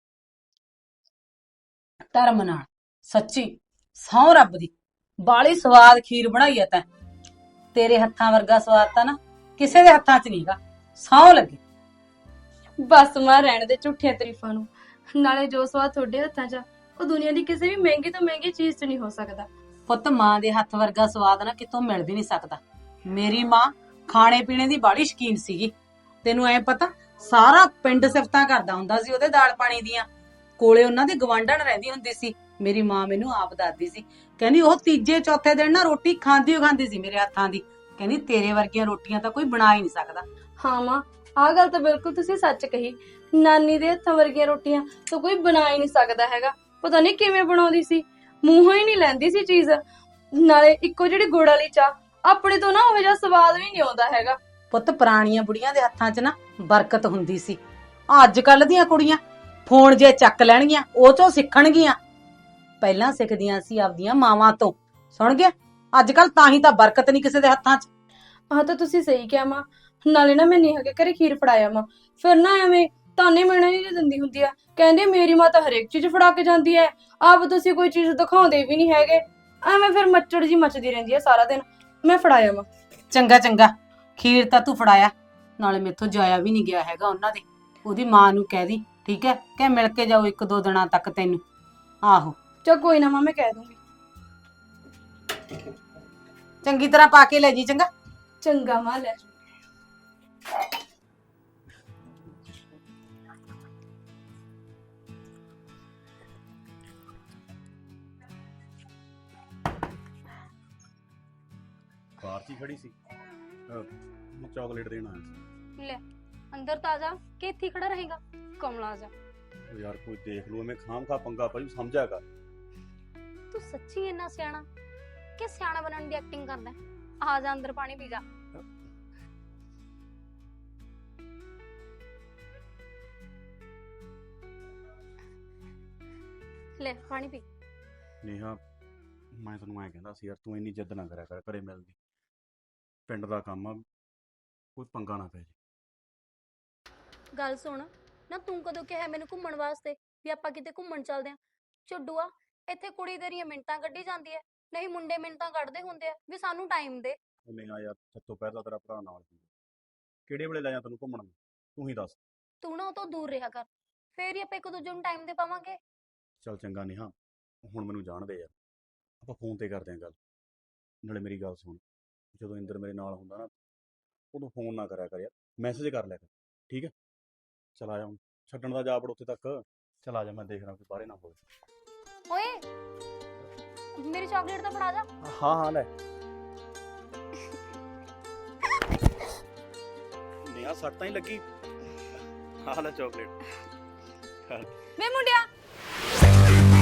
[SPEAKER 7] ਧਰਮ ਨਾਲ ਸੱਚੀ ਸਹੁੰ ਰੱਬ ਦੀ ਬਾਲੀ ਸਵਾਦ ਖੀਰ ਬਣਾਈ ਐ ਤੈਂ। ਤੇਰੇ ਹੱਥਾਂ ਵਰਗਾ ਸਵਾਦ ਤਾਂ ਨਾ ਕਿਸੇ ਦੇ ਹੱਥਾਂ 'ਚ ਨਹੀਂਗਾ, ਸਹੁੰ ਲੱਗੇ।
[SPEAKER 6] ਬਸ ਮਾਂ ਰਹਿਣ ਦੇ ਝੂਠੀਆਂ ਤਾਰੀਫਾਂ ਨੂੰ, ਨਾਲੇ ਜੋ ਸਵਾਦ ਤੁਹਾਡੇ ਹੱਥਾਂ 'ਚ ਆ ਉਹ ਦੁਨੀਆ ਦੀ ਕਿਸੇ ਵੀ ਮਹਿੰਗੀ ਤੋਂ ਮਹਿੰਗੀ ਚੀਜ਼ 'ਚ ਨਹੀਂ ਹੋ ਸਕਦਾ।
[SPEAKER 7] ਪੁੱਤ ਮਾਂ ਦੇ ਹੱਥ ਵਰਗਾ ਸਵਾਦ ਨਾ ਕਿਤੋਂ ਮਿਲ ਵੀ ਨਹੀਂ ਸਕਦਾ। ਮੇਰੀ ਮਾਂ ਖਾਣੇ ਪੀਣੇ ਦੀ ਬਾੜੀ ਸ਼ੌਕੀਨ ਸੀਗੀ, ਤੈਨੂੰ ਐ ਪਤਾ ਸਾਰਾ ਪਿੰਡ ਸਿਫਤਾਂ ਕਰਦਾ ਹੁੰਦਾ ਸੀ ਉਹਦੇ ਦਾਲ ਪਾਣੀ ਦੀਆਂ। ਕੋਲੇ ਉਹਨਾਂ ਦੀ ਗਵਾਂਢਣ ਰਹਿੰਦੀ ਹੁੰਦੀ ਸੀ, ਮੇਰੀ ਮਾਂ ਮੈਨੂੰ ਆਪ ਦੱਸਦੀ ਸੀ, ਕਹਿੰਦੀ ਉਹ ਤੀਜੇ ਚੌਥੇ ਦਿਨ ਨਾ ਰੋਟੀ ਖਾਂਦੀ ਓ ਖਾਂਦੀ ਸੀ ਮੇਰੇ ਹੱਥਾਂ ਦੀ। ਕਹਿੰਦੀ ਤੇਰੇ ਵਰਗੀਆਂ ਰੋਟੀਆਂ ਤਾਂ ਕੋਈ ਬਣਾ ਹੀ ਨਹੀਂ ਸਕਦਾ।
[SPEAKER 6] ਹਾਂ ਮਾਂ, ਆਹ ਗੱਲ ਤਾਂ ਬਿਲਕੁਲ ਤੁਸੀਂ ਸੱਚ ਕਹੀ। ਨਾਨੀ ਦੇ ਹੱਥਾਂ ਵਰਗੀਆਂ ਰੋਟੀਆਂ ਤਾਂ ਕੋਈ ਬਣਾ ਹੀ ਨਹੀਂ ਸਕਦਾ ਹੈਗਾ। ਪਤਾ ਨਹੀਂ ਕਿਵੇਂ ਬਣਾਉਂਦੀ ਸੀ, ਮੂੰਹੋਂ ਹੀ ਨਹੀਂ ਲੈਂਦੀ ਸੀ ਚੀਜ਼। ਨਾਲੇ ਇੱਕੋ ਜਿਹੜੀ ਗੁੜ ਵਾਲੀ ਚਾਹ ਆਪਣੇ ਤੋਂ ਨਾ ਉਹ ਜਿਹਾ ਸਵਾਦ ਵੀ ਨਹੀਂ ਆਉਂਦਾ ਹੈਗਾ।
[SPEAKER 7] ਪੁੱਤ ਪੁਰਾਣੀਆਂ ਬੁੜੀਆਂ ਦੇ ਹੱਥਾਂ 'ਚ ਨਾ ਬਰਕਤ ਹੁੰਦੀ ਸੀ। ਅੱਜ ਕੱਲ ਦੀਆਂ ਕੁੜੀਆਂ ਫੋਨ ਜੇ ਚੱਕ ਲੈਣਗੀਆਂ ਉਹ ਚੋਂ ਸਿੱਖਣਗੀਆਂ। ਪਹਿਲਾਂ ਸਿੱਖਦੀਆਂ ਸੀ ਆਪਦੀਆਂ ਮਾਵਾਂ ਤੋਂ, ਸੁਣ ਗਿਆ। ਅੱਜ ਕੱਲ ਤਾਂ ਹੀ ਤਾਂ ਬਰਕਤ ਨਹੀਂ ਕਿਸੇ ਦੇ ਹੱਥਾਂ 'ਚ।
[SPEAKER 6] ਆਹ ਤਾਂ ਤੁਸੀਂ ਸਹੀ ਕਿਹਾ ਮਾਂ। ਨਾਲੇ ਨਾ ਮੈਂ ਨੇਹਾ ਕੇ ਘਰੇ ਖੀਰ ਫੜਾਇਆ ਮਾਂ, ਫਿਰ ਨਾ ਐਵੇਂ ਤਾਨੇ ਮਿਹਣੇ ਨਹੀਂ ਦਿੰਦੀ ਹੁੰਦੀ ਆ। ਕਹਿੰਦੇ ਮੇਰੀ ਮਾਂ ਤਾਂ ਹਰੇਕ ਚੀਜ਼ ਫੜਾ ਕੇ ਜਾਂਦੀ ਹੈ, ਆਪ ਤੁਸੀਂ ਕੋਈ ਚੀਜ਼ ਦਿਖਾਉਂਦੇ ਵੀ ਨਹੀਂ ਹੈਗੇ। ਐਵੇਂ ਫਿਰ ਮੱਚੜ ਜੀ ਮੱਚਦੀ ਰਹਿੰਦੀ ਹੈ ਸਾਰਾ ਦਿਨ। ਮੈਂ ਫੜਾਇਆ ਮਾਂ।
[SPEAKER 7] ਚੰਗਾ ਚੰਗਾ, ਖੀਰ ਤਾਂ ਤੂੰ ਫੜਾਇਆ, ਨਾਲੇ ਮੇਥੋਂ ਜਾਇਆ ਵੀ ਨਹੀਂ ਗਿਆ ਹੈਗਾ ਉਹਨਾਂ ਦੇ। ਉਹਦੀ ਮਾਂ ਨੂੰ ਕਹਿ ਦੀ, ਠੀਕ ਹੈ, ਕਿ ਮਿਲ ਕੇ ਜਾਓ ਇੱਕ ਦੋ ਦਿਨਾਂ ਤੱਕ ਤੈਨੂੰ। ਆਹੋ
[SPEAKER 6] ਚਲ ਕੋਈ ਨਾ ਮਾਂ, ਮੈਂ ਕਹਿ ਦੂੰਗੀ।
[SPEAKER 7] ਚੰਗੀ ਤਰ੍ਹਾਂ ਪਾ ਕੇ ਲੈ ਜੀ, ਚੰਗਾ।
[SPEAKER 6] ਚੰਗਾ ਮਾਂ, ਲੈ।
[SPEAKER 2] ਬਾਹਰ 'ਚ ਹੀ ਖੜੀ ਸੀ, ਚਾਕਲੇਟ ਦੇਣ ਆਇਆ ਸੀ।
[SPEAKER 1] ਲੈ ਅੰਦਰ ਤਾਂ ਜਾ ਕਿ ਇੱਥੇ ਹੀ ਖੜਾ ਰਹੇਗਾ ਕਮਲਾ ਜਾ।
[SPEAKER 2] ਉਹ ਯਾਰ ਕੋਈ ਦੇਖ ਲੂ, ਐਵੇਂ ਖਾਮ ਖਾ ਪੰਗਾ ਪਈ, ਸਮਝਿਆ ਕਰ।
[SPEAKER 1] ਤੂੰ ਸੱਚੀ ਇੰਨਾ ਸਿਆਣਾ ਕਿ ਸਿਆਣਾ ਬਣਨ ਦੀ ਐਕਟਿੰਗ ਕਰਦਾ? ਆ ਜਾ ਅੰਦਰ ਪਾਣੀ ਪੀ ਜਾ। ਲੈ ਪਾਣੀ ਪੀ।
[SPEAKER 2] ਨੇਹਾ, ਮੈਂ ਤੈਨੂੰ ਐਂ ਕਹਿੰਦਾ ਸੀ ਯਾਰ, ਤੂੰ ਇੰਨੀ ਜਿੱਦ ਨਾ ਕਰਿਆ ਕਰ ਘਰੇ ਮਿਲਦੀ। ਪਿੰਡ ਦਾ ਕੰਮ ਆ, ਕੋਈ ਪੰਗਾ ਨਾ ਪੈ ਜੇ।
[SPEAKER 1] ਗੱਲ ਸੁਣ ਨਾ, ਤੂੰ ਕਦੋਂ ਕਿਹਾ ਮੈਨੂੰ ਘੁੰਮਣ ਵਾਸਤੇ ਵੀ ਆਪਾਂ ਕਿਤੇ ਘੁੰਮਣ ਚੱਲਦੇ ਆਂ? ਝੁੱਡੂਆ, ਇੱਥੇ ਕੁੜੀ ਤੇਰੀਆਂ ਮਿੰਟਾਂ ਕੱਢੀ ਜਾਂਦੀ ਐ, ਨਹੀਂ ਮੁੰਡੇ ਮਿੰਟਾਂ ਕੱਢਦੇ ਹੁੰਦੇ ਆ ਵੀ ਸਾਨੂੰ ਟਾਈਮ ਦੇ।
[SPEAKER 2] ਉਹ ਨੇਹਾ ਯਾਰ, ਸੱਤੋਂ ਪਹਿਲਾਂ ਤੇਰਾ ਭਰਾ ਨਾਲ ਸੀ, ਕਿਹੜੇ ਵੇਲੇ ਲੈ ਜਾ ਤੈਨੂੰ ਘੁੰਮਣ? ਤੂੰ ਹੀ ਦੱਸ।
[SPEAKER 1] ਤੂੰ ਨਾ ਉਹ ਤੋਂ ਦੂਰ ਰਿਹਾ ਕਰ, ਫੇਰ ਹੀ ਆਪਾਂ ਇੱਕ ਦੂਜੇ ਨੂੰ ਟਾਈਮ ਦੇ ਪਾਵਾਂਗੇ।
[SPEAKER 2] ਚੱਲ ਚੰਗਾ ਨੇਹਾ, ਹੁਣ ਮੈਨੂੰ ਜਾਣ ਦੇ ਯਾਰ, ਆਪਾਂ ਫੋਨ ਤੇ ਕਰਦੇ ਆਂ ਗੱਲ। ਨਾਲੇ ਮੇਰੀ ਗੱਲ ਸੁਣ, ਜਦੋਂ ਇੰਦਰ ਮੇਰੇ ਨਾਲ ਹੁੰਦਾ ਨਾ, ਉਦੋਂ ਫੋਨ ਨਾ ਕਰਿਆ ਕਰ ਯਾਰ, ਮੈਸੇਜ ਕਰ ਲਿਆ ਕਰ, ਠੀਕ ਹੈ? ਚਲ ਆ ਜਾ, ਹੁਣ ਛੱਡਣ ਦਾ ਜਾ ਵੜ ਉੱਥੇ ਤੱਕ। ਚਲ ਆ ਜਾ, ਮੈਂ ਦੇਖ ਰਿਹਾ ਕੋਈ ਬਾਹਰੇ ਨਾ ਹੋਵੇ।
[SPEAKER 1] ਓਏ ਮੇਰੀ ਚਾਕਲੇਟ ਤਾਂ ਫੜਾ ਜਾ।
[SPEAKER 2] ਹਾਂ ਹਾਂ ਲੈ। ਨੇਹਾ ਸੱਟ ਤਾਂ ਹੀ ਲੱਗੀ? ਹਾਂ ਲੈ ਚਾਕਲੇਟ।
[SPEAKER 1] ਵੇ ਮੁੰਡਿਆ,